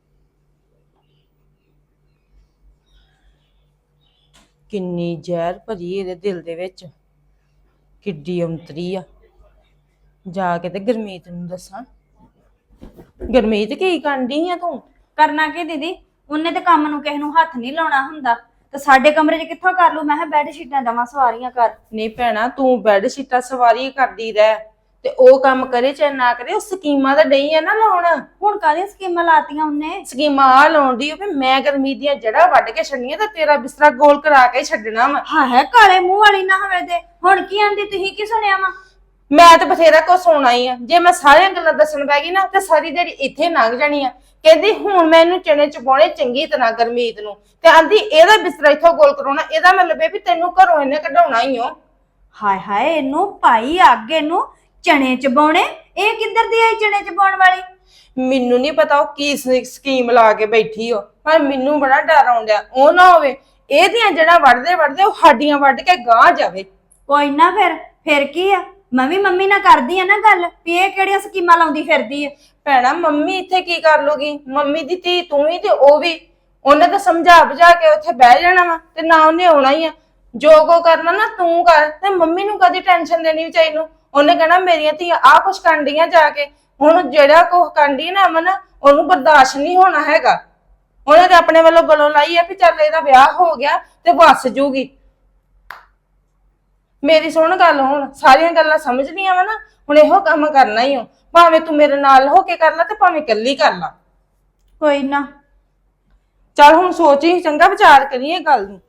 Speaker 5: ਕਿੰਨੀ ਜ਼ਹਿਰ ਭਰੀ ਇਹਦੇ ਦਿਲ ਦੇ ਵਿੱਚ, ਕਿੱਡੀ ਔਂਤਰੀ ਆ। ਜਾ ਕੇ ਤੇ ਗੁਰਮੀਤ ਨੂੰ ਦੱਸਾਂ। ਗੁਰਮੀਤ ਕੀ ਕਰਦੀ ਆ ਤੂੰ?
Speaker 4: ਕਰਨਾ ਕੀ ਦੀਦੀ, ਉਹਨੇ ਤੇ ਕੰਮ ਨੂੰ ਕਿਸੇ ਨੂੰ ਹੱਥ ਨਹੀਂ ਲਾਉਣਾ ਹੁੰਦਾ, ਤੇ ਸਾਡੇ ਕਮਰੇ 'ਚ ਕਿੱਥੋਂ ਕਰ ਲੂ? ਮੈਂ ਕਿਹਾ ਬੈੱਡ ਸ਼ੀਟਾਂ ਦਵਾਂ ਸਵਾਰੀਆਂ ਕਰ।
Speaker 5: ਨਹੀਂ ਭੈਣਾ, ਤੂੰ ਬੈੱਡ ਸ਼ੀਟਾਂ ਸਵਾਰੀ ਕਰਦੀ ਰਹਿ, ਤੇ ਉਹ ਕੰਮ ਕਰੇ ਚਾਹੇ ਨਾ ਕਰੇ, ਉਹ ਸਕੀਮਾਂ ਤਾਂ ਡਈ ਆ ਨਾ ਲਾਉਣ।
Speaker 4: ਹੁਣ ਕਾਹਦੀਆਂ ਸਕੀਮਾਂ ਲਾਤੀਆਂ ਉਹਨੇ?
Speaker 5: ਸਕੀਮਾਂ ਆ ਲਾਉਂਦੀ ਆ ਵੀ ਮੈਂ ਗੁਰਮੀਤ ਦੀਆਂ ਜੜ੍ਹਾਂ ਵੱਢ ਕੇ ਛੱਡਣੀਆਂ, ਤੇ ਤੇਰਾ ਬਿਸਤਰਾ ਗੋਲ ਕਰਾ ਕੇ ਛੱਡਣਾ ਵਾ।
Speaker 4: ਹਾਂ ਹੈ, ਕਾਲੇ ਮੂੰਹ ਵਾਲੀ ਨਾ ਹੋਵੇ ਤੇ। ਹੁਣ ਕੀ ਆਂਦੀ, ਤੁਸੀਂ ਕੀ ਸੁਣਿਆ ਵਾ?
Speaker 5: ਮੈਂ ਤਾਂ ਬਥੇਰਾ ਕੁਛ ਸੁਣਾ ਹੀ ਆ, ਜੇ ਮੈਂ ਸਾਰੀਆਂ ਗੱਲਾਂ ਦੱਸਣ ਬੈ ਗਈ ਨਾ ਤੇ ਸਾਰੀ ਦਿਹਾੜੀ ਇੱਥੇ ਲੰਘ ਜਾਣੀ ਆ। ਕਹਿੰਦੀ ਹੁਣ ਮੈਂ ਇਹਨੂੰ ਚਣੇ ਚਪਾਉਣੇ ਚੰਗੀ ਤਰ੍ਹਾਂ ਗੁਰਮੀਤ ਨੂੰ, ਤੇ ਆਂਦੀ ਇਹਦਾ ਬਿਸਤਰਾ ਇੱਥੋਂ ਗੋਲ ਕਰਾਉਣਾ, ਇਹਦਾ ਮਤਲਬ ਇਹ ਵੀ ਤੈਨੂੰ ਘਰੋਂ ਇਹਨੇ ਕਢਾਉਣਾ ਹੀ ਓ।
Speaker 4: ਹਾਏ ਹਾਏ, ਇਹਨੂੰ ਭਾਈ ਅੱਗੇ ਨੂੰ ਚਣੇ ਚਬਾਉਣੇ, ਇਹ ਕਿੱਧਰ ਦੀ ਆਈ ਚਣੇ ਚਬਾਉਣ ਵਾਲੀ?
Speaker 5: ਮੈਨੂੰ ਨਹੀਂ ਪਤਾ ਉਹ ਕੀ ਸਕੀਮ ਲਾ ਕੇ ਬੈਠੀ ਹੋ, ਪਰ ਮੈਨੂੰ ਬੜਾ ਡਰ ਆਉਂਦਾ ਉਹ ਨਾ ਹੋਵੇ ਇਹਦੀਆਂ ਜਿਹੜਾ ਵੱਢਦੇ ਵੱਢਦੇ ਉਹ ਸਾਡੀਆਂ ਵੱਢ ਕੇ ਗਾਂਹ ਜਾਵੇ।
Speaker 4: ਕੋਈ ਨਾ, ਫਿਰ ਕੀ ਆ? ਮੈਂ ਵੀ ਮੰਮੀ ਨਾਲ ਕਰਦੀ ਆ ਨਾ ਗੱਲ ਵੀ ਇਹ ਕਿਹੜੀਆਂ ਸਕੀਮਾਂ ਲਾਉਂਦੀ ਫਿਰਦੀ ਆ।
Speaker 5: ਭੈਣਾ ਮੰਮੀ ਇੱਥੇ ਕੀ ਕਰ ਲੂਗੀ? ਮੰਮੀ ਦੀ ਧੀ ਤੂੰ ਵੀ ਤੇ ਉਹ ਵੀ, ਉਹਨੇ ਤਾਂ ਸਮਝਾ ਬੁਝਾ ਕੇ ਉੱਥੇ ਬਹਿ ਜਾਣਾ ਵਾ, ਤੇ ਨਾ ਉਹਨੇ ਆਉਣਾ ਹੀ ਆ। ਜੋ ਕੋ ਕਰਨਾ ਨਾ ਤੂੰ ਕਰ, ਤੇ ਮੰਮੀ ਨੂੰ ਕਦੀ ਟੈਨਸ਼ਨ ਦੇਣੀ ਚਾਹੀ ਨੂੰ। ਉਹਨੇ ਕਹਿਣਾ ਮੇਰੀਆਂ ਧੀਆਂ ਆਹ ਕੁਛ ਕਰਦੀਆਂ ਜਾ ਕੇ, ਹੁਣ ਜਿਹੜਾ ਕੁਛ ਕਰਦੀ ਨਾ ਅਮਨ, ਉਹਨੂੰ ਬਰਦਾਸ਼ਤ ਨਹੀਂ ਹੋਣਾ ਹੈਗਾ। ਉਹਨੇ ਤੇ ਆਪਣੇ ਵੱਲੋਂ ਗਲੋਂ ਲਾਈ ਆ ਵੀ ਚੱਲ ਇਹਦਾ ਵਿਆਹ ਹੋ ਗਿਆ ਤੇ ਵੱਸ ਜੂਗੀ। ਮੇਰੀ ਸੁਣ ਗੱਲ, ਹੁਣ ਸਾਰੀਆਂ ਗੱਲਾਂ ਸਮਝਣੀਆਂ ਵਾ ਨਾ, ਹੁਣ ਇਹੋ ਕੰਮ ਕਰਨਾ ਹੀ ਹੋ, ਭਾਵੇਂ ਤੂੰ ਮੇਰੇ ਨਾਲ ਹੋ ਕੇ ਕਰ ਲੈ ਤੇ ਭਾਵੇਂ ਇਕੱਲੀ ਕਰ ਲੈ।
Speaker 4: ਕੋਈ ਨਾ।
Speaker 5: ਚੱਲ ਹੁਣ ਸੋਚੀ, ਚੰਗਾ ਵਿਚਾਰ ਕਰੀਏ ਗੱਲ ਨੂੰ।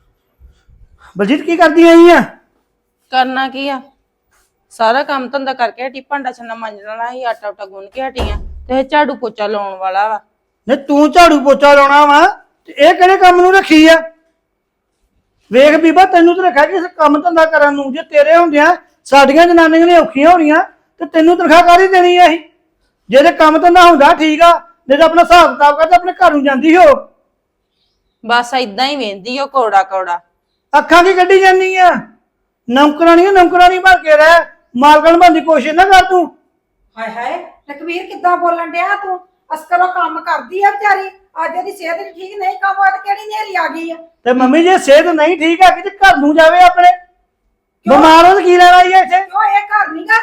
Speaker 6: ਬਲਜੀਤ ਕੀ ਕਰਦੀ ਆਈ ਆ?
Speaker 5: ਕਰਨਾ ਕੀ ਆ, ਸਾਰਾ ਕੰਮ ਧੰਦਾ ਕਰਕੇ ਹਟੀ, ਭਾਂਡਾ ਛੰਨਾ ਮਾਂਜਣ ਵਾਲਾ ਸੀ, ਆਟਾ ਉਟਾ ਗੁੰਨ ਕੇ ਹਟੀ ਆ, ਤੇ ਝਾੜੂ ਪੋਚਾ ਲਾਉਣ ਵਾਲਾ ਵਾ।
Speaker 6: ਨੇ ਤੂੰ ਝਾੜੂ ਪੋਚਾ ਲਾਉਣਾ ਵਾ ਤੇ ਇਹ ਕਿਹੜੇ ਕੰਮ ਨੂੰ ਰੱਖੀ ਆ? ਵੇਖ ਬੀਬਾ, ਤੈਨੂੰ ਤਾਂ ਰੱਖਿਆ ਕਿਸੇ ਕੰਮ ਧੰਦਾ ਕਰਨ ਨੂੰ। ਜੇ ਤੇਰੇ ਹੁੰਦਿਆਂ ਸਾਡੀਆਂ ਜਨਾਨੀਆਂ ਨੇ ਔਖੀਆਂ ਹੋਣੀਆਂ ਤੇ ਤੈਨੂੰ ਤਨਖਾਹ ਕਾਹਦੀ ਦੇਣੀ ਆ? ਅਸੀਂ ਜੇ ਕੰਮ ਧੰਦਾ ਹੁੰਦਾ ਠੀਕ ਆ, ਨਹੀਂ ਤਾਂ ਆਪਣਾ ਹਿਸਾਬ ਕਿਤਾਬ ਕਰਕੇ ਆਪਣੇ ਘਰ ਨੂੰ ਜਾਂਦੀ ਹੋ।
Speaker 5: ਬਸ ਏਦਾਂ ਹੀ ਵੇਂਦੀ ਉਹ ਕੌੜਾ ਕੌੜਾ।
Speaker 6: ਅੱਖਾਂ ਕੀ ਕੱਢੀ ਜਾਂਦੀ ਆ? ਨੌਕਰਾਨੀ ਬਣ ਕੇ ਰਹਿ, ਮਾਲਕਣ ਬਣਨ ਦੀ ਕੋਸ਼ਿਸ਼ ਨਾ ਕਰ ਤੂੰ।
Speaker 2: ਹਾਏ ਹਾਏ ਲਖਵੀਰ ਕਿੱਦਾਂ ਬੋਲਣ ਡਿਆ ਤੂੰ? ਅਸਕਰੋਂ ਕੰਮ ਕਰਦੀ ਆ ਵਿਚਾਰੀ, ਅੱਜ ਇਹਦੀ ਸਿਹਤ ਨੀ ਠੀਕ, ਨਹੀਂ ਕੰਮ ਹੋਇਆ ਤੇ ਕਿਹੜੀ ਨੇਰੀ ਆ ਗਈ ਆ।
Speaker 6: ਤੇ ਮੰਮੀ ਜੇ ਸਿਹਤ ਨਹੀਂ ਠੀਕ ਆ ਕਿ ਘਰ ਨੂੰ ਜਾਵੇ ਆਪਣੇ, ਬਿਮਾਰ ਹੋ ਤੇ ਕੀ ਲੈਣਾ ਹੀ ਇੱਥੇ?
Speaker 2: ਕਿਉਂ ਇਹ ਘਰ ਨੀ ਗਾ?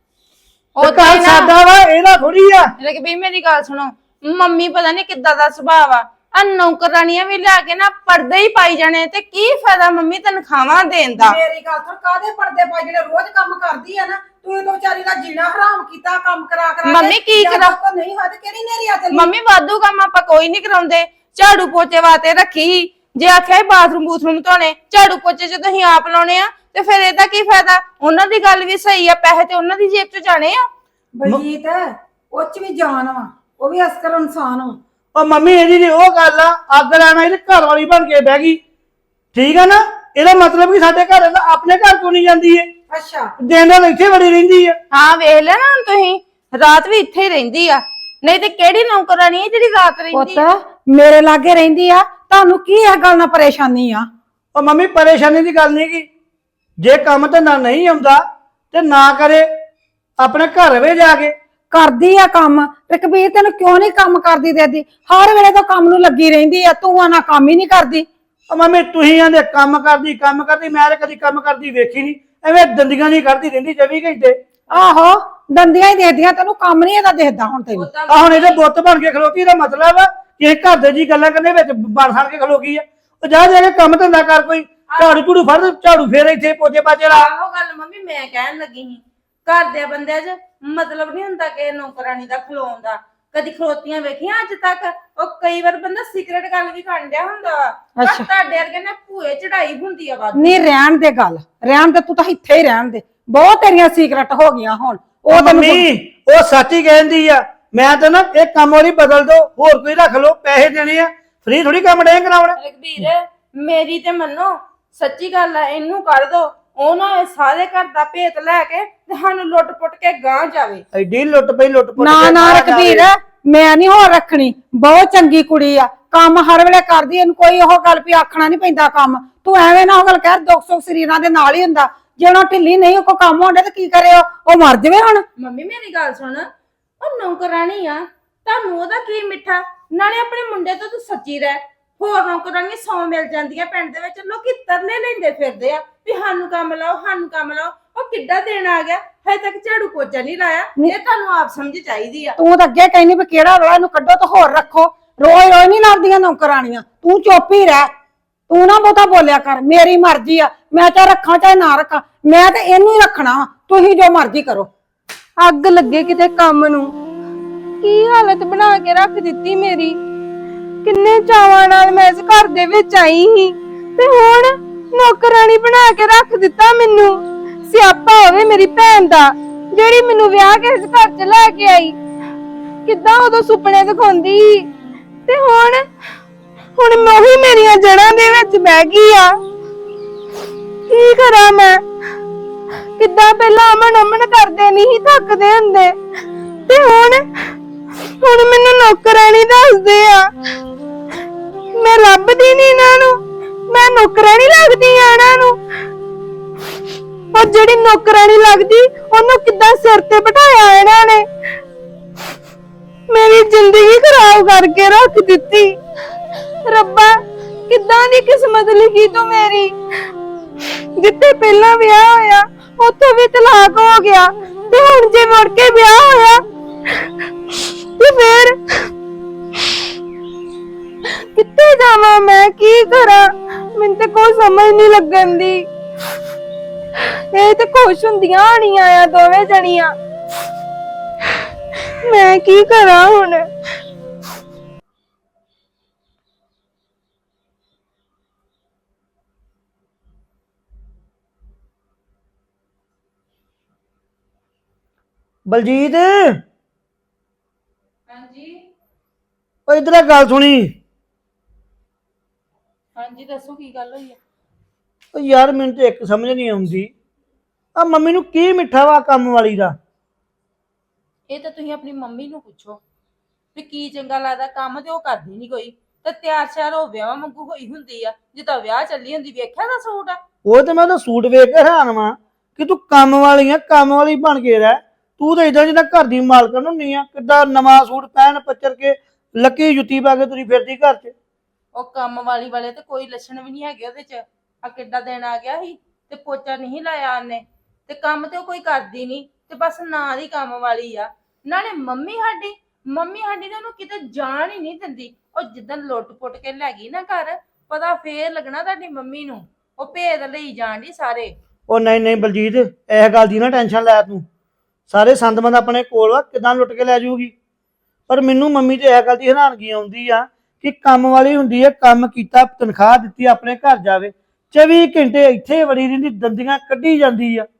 Speaker 6: ਉਹ ਘਰ ਸਾਡਾ ਵਾ, ਇਹਦਾ ਥੋੜੀ ਆ।
Speaker 5: ਰਘਬੀਰ ਮੇਰੀ ਗੱਲ ਸੁਣੋ, ਮੰਮੀ ਪਤਾ ਨਹੀਂ ਕਿੱਦਾਂ ਦਾ ਸੁਭਾਅ ਆ, ਆ ਨੌਕਰਾਨੀਆਂ ਵੀ ਲਿਆ ਕੇ ਨਾ ਪਰਦੇ ਹੀ ਪਾਈ ਜਾਣੇ, ਤੇ ਕੀ ਫਾਇਦਾ ਮੰਮੀ ਤਨਖਾਹਾਂ ਦੇਣ ਦਾ?
Speaker 2: ਮੇਰੀ ਗੱਲ ਸੁਣ, ਕਾਹਦੇ ਪਰਦੇ ਪਾ ਜਿਹੜੇ ਰੋਜ਼ ਕੰਮ ਕਰਦੀ ਆ ਨਾ, ਤੂੰ ਤਾਂ ਵਿਚਾਰੀ ਦਾ ਜੀਣਾ ਹਰਾਮ ਕੀਤਾ ਕੰਮ ਕਰਾ ਕਰਾ ਕੇ।
Speaker 5: ਮੰਮੀ ਕੀ
Speaker 2: ਜਦ
Speaker 5: ਕਰਾਂ?
Speaker 2: ਤੱਕ ਨਹੀਂ ਹੋਇਆ ਤੇ ਕਿਹੜੀ ਨੇਰੀ ਆ ਚੱਲੀ?
Speaker 5: ਮੰਮੀ ਵਾਧੂ ਕੰਮ ਆਪਾਂ ਕੋਈ ਨਹੀਂ ਕਰਾਉਂਦੇ, ਝਾੜੂ ਪੋਚੇ ਵਾਸਤੇ ਰੱਖੀ ਸੀ। ਜੇ ਆਖਿਆ ਬਾਥਰੂਮ ਧੋਣੇ, ਝਾੜੂ ਪੋਚੇ ਜੇ ਤੁਸੀਂ ਆਪ ਲਾਉਣੇ ਆ ਤੇ ਫਿਰ ਇਹਦਾ ਕੀ ਫਾਇਦਾ? ਉਹਨਾਂ ਦੀ ਗੱਲ ਵੀ ਸਹੀ ਆ, ਪੈਸੇ ਤੇ ਉਹਨਾਂ ਦੀ ਜੇਬ ਚ ਜਾਣੇ ਆ।
Speaker 2: ਬਲਜੀਤ ਉਹ ਚ ਵੀ ਜਾਨ ਵਾ, ਉਹ ਵੀ ਅਸਕਰ ਇਨਸਾਨ ਵਾ।
Speaker 6: ਉਹ ਮੰਮੀ ਇਹਦੀ ਜੇ ਉਹ ਗੱਲ ਆ, ਅੱਗ ਲੈਣਾ ਇਹਦੇ ਘਰ ਵਾਲੀ ਬਣ ਕੇ ਬਹਿ ਗਈ, ਠੀਕ ਆ ਨਾ? ਇਹਦਾ ਮਤਲਬ ਕਿ ਸਾਡੇ ਘਰ ਦਾ ਆਪਣੇ ਘਰ ਤੋਂ ਨਹੀਂ ਜਾਂਦੀ ਏ,
Speaker 2: ਅੱਛਾ
Speaker 6: ਦਿਨ ਰਾਤ ਇੱਥੇ ਵੜੀ ਰਹਿੰਦੀ ਆ।
Speaker 5: ਹਾਂ ਵੇਖ ਲੈ ਨਾ ਹੁਣ ਤੁਸੀਂ, ਰਾਤ ਵੀ ਇੱਥੇ ਹੀ ਰਹਿੰਦੀ ਆ, ਨਹੀਂ ਤੇ ਕਿਹੜੀ ਨੌਕਰਾਨੀ ਹੈ ਜਿਹੜੀ ਰਾਤ ਰਹਿੰਦੀ ਆ?
Speaker 2: ਪੁੱਤ ਮੇਰੇ ਲਾਗੇ ਰਹਿੰਦੀ ਆ, ਤੁਹਾਨੂੰ ਕੀ ਇਹ ਗੱਲ ਨਾਲ ਪਰੇਸ਼ਾਨੀ ਆ?
Speaker 6: ਉਹ ਮੰਮੀ ਪਰੇਸ਼ਾਨੀ ਦੀ ਗੱਲ ਨਹੀਂ ਗੀ, ਜੇ ਕੰਮ ਧੰਦਾ ਨਹੀਂ ਆਉਂਦਾ ਤੇ ਨਾ ਕਰੇ, ਆਪਣੇ ਘਰ ਵੇ ਜਾ ਕੇ
Speaker 2: ਕਰਦੀ ਆ ਕੰਮ। ਤੇ ਕਬੀਰ ਤੈਨੂੰ ਕਿਉਂ ਨਹੀਂ ਕੰਮ ਕਰਦੀ ਦੇਦੀ? ਹਰ ਵੇਲੇ ਤਾਂ ਕੰਮ ਨੂੰ ਲੱਗੀ ਰਹਿੰਦੀ ਆ, ਤੂੰ ਆ ਨਾ ਕੰਮ ਹੀ ਨਹੀਂ ਕਰਦੀ।
Speaker 6: ਉਹ ਮੰਮੀ ਤੁਸੀਂ ਆਂਦੇ ਕੰਮ ਕਰਦੀ, ਮੈਂ ਤਾਂ ਕਦੀ ਕੰਮ ਕਰਦੀ ਵੇਖੀ ਨਹੀਂ, ਐਵੇਂ ਦੰਦੀਆਂ ਨਹੀਂ ਕੱਢਦੀ ਰਹਿੰਦੀ 24 ਘੰਟੇ।
Speaker 2: ਆਹੋ ਦੰਦੀਆਂ ਹੀ ਦੇਖਦੀਆਂ, ਤੈਨੂੰ ਕੰਮ ਨਹੀਂ ਇਹਦਾ ਦੇਖਦਾ ਹੁਣ ਤੈਨੂੰ।
Speaker 6: ਆ ਹੁਣ ਇਹਦੇ ਬੁੱਤ ਬਣ ਕੇ ਖਲੋਤੀ ਦਾ ਮਤਲਬ ਆ ਕਿ ਇਹ ਘਰ ਦੇ ਜੀ ਗੱਲਾਂ ਕਰਨੇ ਵਿੱਚ ਬਣ ਸੜ ਕੇ ਖਲੋ ਗਈ ਆ। ਉਹ ਜਾ ਕੇ ਕੰਮ ਧੰਦਾ ਕਰ, ਕੋਈ ਝਾੜੂ ਝੂੜੂ ਫੜ, ਝਾੜੂ ਫੇਰ ਇੱਥੇ ਪੋਚੇ ਪਾਚੇ ਲਾ।
Speaker 5: ਆਹੋ ਗੱਲ ਮੰਮੀ ਮੈਂ ਕਹਿਣ ਲੱਗੀ ਸੀ, ਘਰ ਦੇ ਬੰਦਿਆਂ 'ਚ ਮਤਲਬ ਨਹੀਂ ਹੁੰਦਾ ਕਿ ਨੌਕਰਾਨੀ ਦਾ ਖਲੋਣ ਦਾ। ਕਦੀ ਖਲੋਤੀਆਂ ਵੇਖੀਆਂ ਅੱਜ ਤੱਕ? ਉਹ ਕਈ ਵਾਰ ਬੰਦਾ ਸੀਕ੍ਰੇਟ ਗੱਲ ਵੀ ਕਰਨ ਡਿਆ ਹੁੰਦਾ ਵਾ, ਪਰ ਤੁਹਾਡੇ ਵਰਗੇ ਨੇ ਭੂਏ ਚੜਾਈ ਹੁੰਦੀ ਆ ਵੱਧ।
Speaker 2: ਨਹੀਂ ਰਹਿਣ ਦੇ ਗੱਲ, ਰਹਿਣ ਦੇ, ਤੂੰ ਤਾਂ ਇੱਥੇ ਹੀ ਰਹਿਣ ਦੇ। ਬਹੁਤ ਤੇਰੀਆਂ ਸੀਕ੍ਰੇਟ ਹੋ ਗਈਆਂ ਹੁਣ। ਉਹ
Speaker 6: ਮੰਮੀ ਉਹ ਸੱਚ ਹੀ ਕਹਿੰਦੀ ਆ, ਮੈਂ ਤਾਂ ਨਾ ਇਹ ਕੰਮ ਵਾਲੀ ਬਦਲ ਦੋ, ਹੋਰ ਕੋਈ ਰੱਖ ਲਓ, ਪੈਸੇ ਦੇਣੇ ਆ, ਫ੍ਰੀ ਥੋੜੀ ਕੰਮ ਡੇ ਕਰਾਉਣਾ।
Speaker 5: ਰਘਬੀਰ ਮੇਰੀ ਤੇ ਮੰਨੋ, ਸੱਚੀ ਗੱਲ ਆ, ਇਹਨੂੰ ਕੱਢ ਦੋ, ਉਹ ਨਾ ਇਹ ਸਾਰੇ ਘਰ ਦਾ ਭੇਤ ਲੈ ਕੇ ਤੇ ਸਾਨੂੰ ਲੁੱਟ ਪੁੱਟ ਕੇ ਗਾਂ ਜਾਵੇ।
Speaker 6: ਐਡੀ ਲੁੱਟ ਪਈ, ਲੁੱਟ ਪੁੱਟ
Speaker 2: ਨਾ
Speaker 6: ਕੇ
Speaker 2: ਨਾ
Speaker 6: ਬਾਹਰ
Speaker 2: ਰਘਬੀਰ,
Speaker 6: ਜਾਵੇ।
Speaker 2: ਮੈਂ ਨਹੀਂ ਹੋਰ ਰੱਖਣੀ। ਬਹੁਤ ਚੰਗੀ ਕੁੜੀ ਆ, ਕੰਮ ਹਰ ਵੇਲੇ ਕਰਦੀ, ਇਹਨੂੰ ਕੋਈ ਉਹ ਗੱਲ ਵੀ ਆਖਣਾ ਨਹੀਂ ਪੈਂਦਾ ਕੰਮ। ਤੂੰ ਐਵੇਂ ਨਾ ਉਹ ਗੱਲ ਕਹਿ, ਦੁੱਖ ਸੁੱਖ ਸਰੀਰਾਂ ਦੇ ਨਾਲ ਹੀ ਹੁੰਦਾ। ਜੇ ਉਹਨਾਂ ਢਿੱਲੀ ਨਹੀਂ ਉਹ ਕੰਮ ਹੋਣਾ ਤੇ ਕੀ ਕਰੇ? ਉਹ ਮਰ ਜਾਵੇ ਹੁਣ।
Speaker 5: ਮੰਮੀ ਮੇਰੀ ਗੱਲ ਸੁਣ, ਉਹ ਨੌਕਰਾਨੀ ਆ, ਤੁਹਾਨੂੰ ਉਹਦਾ ਕੀ ਮਿੱਠਾ? ਨਾਲੇ ਆਪਣੇ ਮੁੰਡੇ ਤੋਂ ਤੂੰ ਸੱਚੀ ਰਹਿ। ਹੋਰ ਨੌਕਰਾਨੀਆਂ 100 ਮਿਲ ਜਾਂਦੀਆਂ ਪਿੰਡ ਦੇ ਵਿੱਚ, ਲੋਕੀ ਤਰਲੇ ਲੈਂਦੇ ਫਿਰਦੇ ਆ ਵੀ ਸਾਨੂੰ ਕੰਮ ਲਾਓ, ਸਾਨੂੰ ਕੰਮ ਲਾਓ। ਉਹ ਕਿੱਡਾ ਦੇਣ ਆ ਗਿਆ, ਹਜੇ ਤੱਕ ਝਾੜੂ ਪੋਚਾ ਨਹੀਂ ਲਾਇਆ। ਇਹ ਤੁਹਾਨੂੰ ਆਪ ਸਮਝ ਚਾਹੀਦੀ ਆ।
Speaker 2: ਤੂੰ ਤਾਂ ਅੱਗੇ ਕਹਿੰਦੀ ਵੀ ਕਿਹੜਾ ਵੇਲਾ ਇਹਨੂੰ ਕੱਢੋ ਤੇ ਹੋਰ ਰੱਖੋ। ਰੋਜ਼ ਰੋਜ਼ ਨਹੀਂ ਲੜਦੀਆਂ ਨੌਕਰਾਣੀਆਂ, ਤੂੰ ਚੁੱਪ ਹੀ ਰਹਿ। ਤੂੰ ਨਾ ਬਹੁਤਾ ਬੋਲਿਆ ਕਰ, ਮੇਰੀ ਮਰਜ਼ੀ ਆ, ਮੈਂ ਚਾਹੇ ਰੱਖਾਂ ਚਾਹੇ ਨਾ ਰੱਖਾਂ, ਮੈਂ ਤੇ ਇਹਨੂੰ ਹੀ ਰੱਖਣਾ ਵਾ। ਤੁਸੀਂ ਜੋ ਮਰਜ਼ੀ ਕਰੋ।
Speaker 1: ਅੱਗ ਲੱਗੇ ਕਿਤੇ ਕੰਮ ਨੂੰ, ਕੀ ਹਾਲਤ ਬਣਾ ਕੇ ਰੱਖ ਦਿੱਤੀ ਮੇਰੀ। ਕਿੰਨੇ ਚਾਵਾਂ ਨਾਲ ਮੈਂ ਇਸ ਘਰ ਦੇ ਵਿੱਚ ਆਈ ਸੀ ਤੇ ਹੁਣ ਨੌਕਰਾਨੀ ਬਣਾ ਕੇ ਰੱਖ ਦਿੱਤਾ ਮੈਨੂੰ। ਸਿਆਪਾ ਹੋਵੇ ਮੇਰੀ ਭੈਣ ਦਾ, ਜਿਹੜੀ ਮੈਨੂੰ ਵਿਆਹ ਕੇ ਇਸ ਘਰ 'ਚ ਲੈ ਕੇ ਆਈ। ਕਿੱਦਾਂ ਉਦੋਂ ਸੁਪਨੇ ਦਿਖਾਉਂਦੀ ਤੇ ਹੁਣ ਉਹੀ ਮੇਰੀਆਂ ਜੜ੍ਹਾਂ ਦੇ ਵਿੱਚ ਬਹਿ ਗਈ ਆ। ਕੀ ਕਰਾਂ ਮੈਂ? ਕਿੱਦਾਂ ਪਹਿਲਾਂ ਅਮਨ ਕਰਦੇ ਨਹੀਂ ਥੱਕਦੇ ਹੁੰਦੇ ਤੇ ਹੁਣ ਮੈਨੂੰ ਨੌਕਰਾਨੀ ਦੱਸਦੇ ਆ। ਮੈਂ ਲੱਭਦੀ ਨਹੀਂ ਇਹਨਾਂ ਨੂੰ, ਮੈਂ ਨੌਕਰਾਨੀ ਲੱਗਦੀ ਆ ਇਹਨਾਂ ਨੂੰ। ਉਹ ਜਿਹੜੀ ਨੌਕਰਾਨੀ ਲੱਗਦੀ ਉਹਨੂੰ ਕਿੱਦਾਂ ਸਿਰ ਤੇ ਬਿਠਾਇਆ ਇਹਨਾਂ ਨੇ। ਮੇਰੀ ਜ਼ਿੰਦਗੀ ਖਰਾਬ ਕਰਕੇ ਰੱਖ ਦਿੱਤੀ। ਰੱਬਾ ਕਿੱਦਾਂ ਦੀ ਕਿਸਮਤ ਲਿਖੀ ਤੂੰ ਮੇਰੀ। ਜਿੱਥੇ ਪਹਿਲਾਂ ਵਿਆਹ ਹੋਇਆ ਉੱਥੋਂ ਵੀ ਤਲਾਕ ਹੋ ਗਿਆ ਤੇ ਹੁਣ ਜੇ ਮੁੜ ਕੇ ਵਿਆਹ ਹੋਇਆ ਤੇ ਫਿਰ ਕਿੱਥੇ ਜਾਵਾਂ ਮੈਂ? ਕੀ ਕਰਾਂ? ਮੈਨੂੰ ਤੇ ਕੋਈ ਸਮਝ ਨਹੀਂ ਲੱਗਣ ਦੀ। ਇਹ ਤੇ ਖੁਸ਼ ਹੁੰਦੀਆਂ ਹੋਣੀਆਂ ਆ ਦੋਵੇਂ ਜਣੀਆਂ। ਮੈਂ ਕੀ ਕਰਾਂ ਹੁਣ?
Speaker 6: ਬਲਜੀਤ
Speaker 5: ਹਾਂਜੀ
Speaker 6: ਉਹ ਇਧਰ ਆ ਗੱਲ ਸੁਣੀ।
Speaker 5: ਹਾਂਜੀ ਦੱਸੋ ਕੀ ਗੱਲ ਹੋਈ ਆ?
Speaker 6: ਉਹ ਯਾਰ ਮੈਨੂੰ ਤੇ ਇੱਕ ਸਮਝ ਨਹੀਂ ਆਉਂਦੀ, ਆ ਮੰਮੀ ਨੂੰ ਕੀ ਮਿੱਠਾ ਵਾ ਕੰਮ ਵਾਲੀ ਦਾ।
Speaker 5: ਇਹ ਤਾਂ ਤੁਸੀਂ ਆਪਣੀ ਮੰਮੀ ਨੂੰ ਪੁੱਛੋ ਵੀ ਕੀ ਚੰਗਾ ਲੱਗਦਾ, ਕੰਮ ਤੇ ਉਹ ਕਰਦੀ ਨਹੀਂ ਕੋਈ, ਤੇ ਤਿਆਰ ਸ਼ਿਆਰ ਹੋ ਵਿਆਹ ਵਾਂਗੂ ਹੋਈ ਹੁੰਦੀ ਆ, ਜਿੱਦਾਂ ਵਿਆਹ ਚੱਲੀ ਹੁੰਦੀ। ਵੇਖਿਆ ਦਾ ਸੂਟ ਆ?
Speaker 6: ਉਹ ਤੇ ਮੈਂ ਉਹਦਾ ਸੂਟ ਵੇਖ ਕੇ ਹੈਰਾਨ ਵਾਂ ਕਿ ਤੂੰ ਕੰਮ ਵਾਲੀ ਆ, ਕੰਮ ਵਾਲੀ ਬਣ ਕੇ ਰਹਿ। ਤੂੰ ਤਾਂ ਇਦਾਂ ਜਿੱਦਾਂ ਘਰ ਦੀ ਮਾਲਕਣ ਹੁੰਨੀ ਆ, ਕਿੱਦਾਂ ਨਵਾਂ ਸੂਟ ਪਹਿਨ ਪੱਚਰ ਕੇ ਲੱਕੀ ਜੁੱਤੀ ਪਾ ਕੇ ਤੁਰੀ ਫਿਰਦੀ ਘਰ 'ਚ।
Speaker 5: ਉਹ ਕੰਮ ਵਾਲੀ ਵਾਲੇ ਤੇ ਕੋਈ ਲੱਛਣ ਵੀ ਨਹੀਂ ਹੈਗੇ ਉਹਦੇ 'ਚ। ਆ ਕਿੱਡਾ ਦਿਨ ਆ ਗਿਆ ਸੀ ਤੇ ਪੋਚਾ ਨਹੀਂ ਲਾਇਆ ਉਹਨੇ, ਤੇ ਕੰਮ ਤੇ ਉਹ ਕੋਈ ਕਰਦੀ ਨਹੀਂ, ਤੇ ਬਸ ਨਾਂ ਦੀ ਕੰਮ ਵਾਲੀ ਆ। ਨਾਲੇ ਮੰਮੀ ਸਾਡੀ ਨੇ ਉਹਨੂੰ ਕਿਤੇ ਜਾਣ ਹੀ ਨਹੀਂ ਦਿੰਦੀ। ਉਹ ਜਿੱਦਣ ਲੁੱਟ-ਪੁੱਟ ਕੇ ਲੈ ਗਈ ਨਾ ਘਰ, ਪਤਾ ਫੇਰ ਲੱਗਣਾ ਤੁਹਾਡੀ ਮੰਮੀ ਨੂੰ। ਉਹ ਭੇਦ ਲਈ ਜਾਣ ਦੀ ਸਾਰੇ।
Speaker 6: ਉਹ ਨਹੀਂ ਬਲਜੀਤ, ਇਹ ਗੱਲ ਦੀ ਨਾ ਟੈਨਸ਼ਨ ਲੈ ਤੂੰ। ਸਾਰੇ ਸੰਦਮੰਦ ਆਪਣੇ ਕੋਲ ਵਾ, ਕਿਦਾਂ ਲੁੱਟ ਕੇ ਲੈ ਜਾਊਗੀ। ਪਰ ਮੈਨੂੰ ਮੰਮੀ ਤੇ ਇਹ ਗੱਲ ਦੀ ਹੈਰਾਨਗੀ ਆਉਂਦੀ ਆ ਕਿ ਕੰਮ ਵਾਲੀ ਹੁੰਦੀ ਹੈ, ਕੰਮ ਕੀਤਾ, ਤਨਖਾਹ ਦਿੱਤੀ, ਆਪਣੇ ਘਰ ਜਾਵੇ, 24 ਘੰਟੇ ਇੱਥੇ ਵੜੀ ਰਹਿੰਦੀ, ਦੰਦੀਆਂ ਕੱਢੀ ਜਾਂਦੀ ਆ।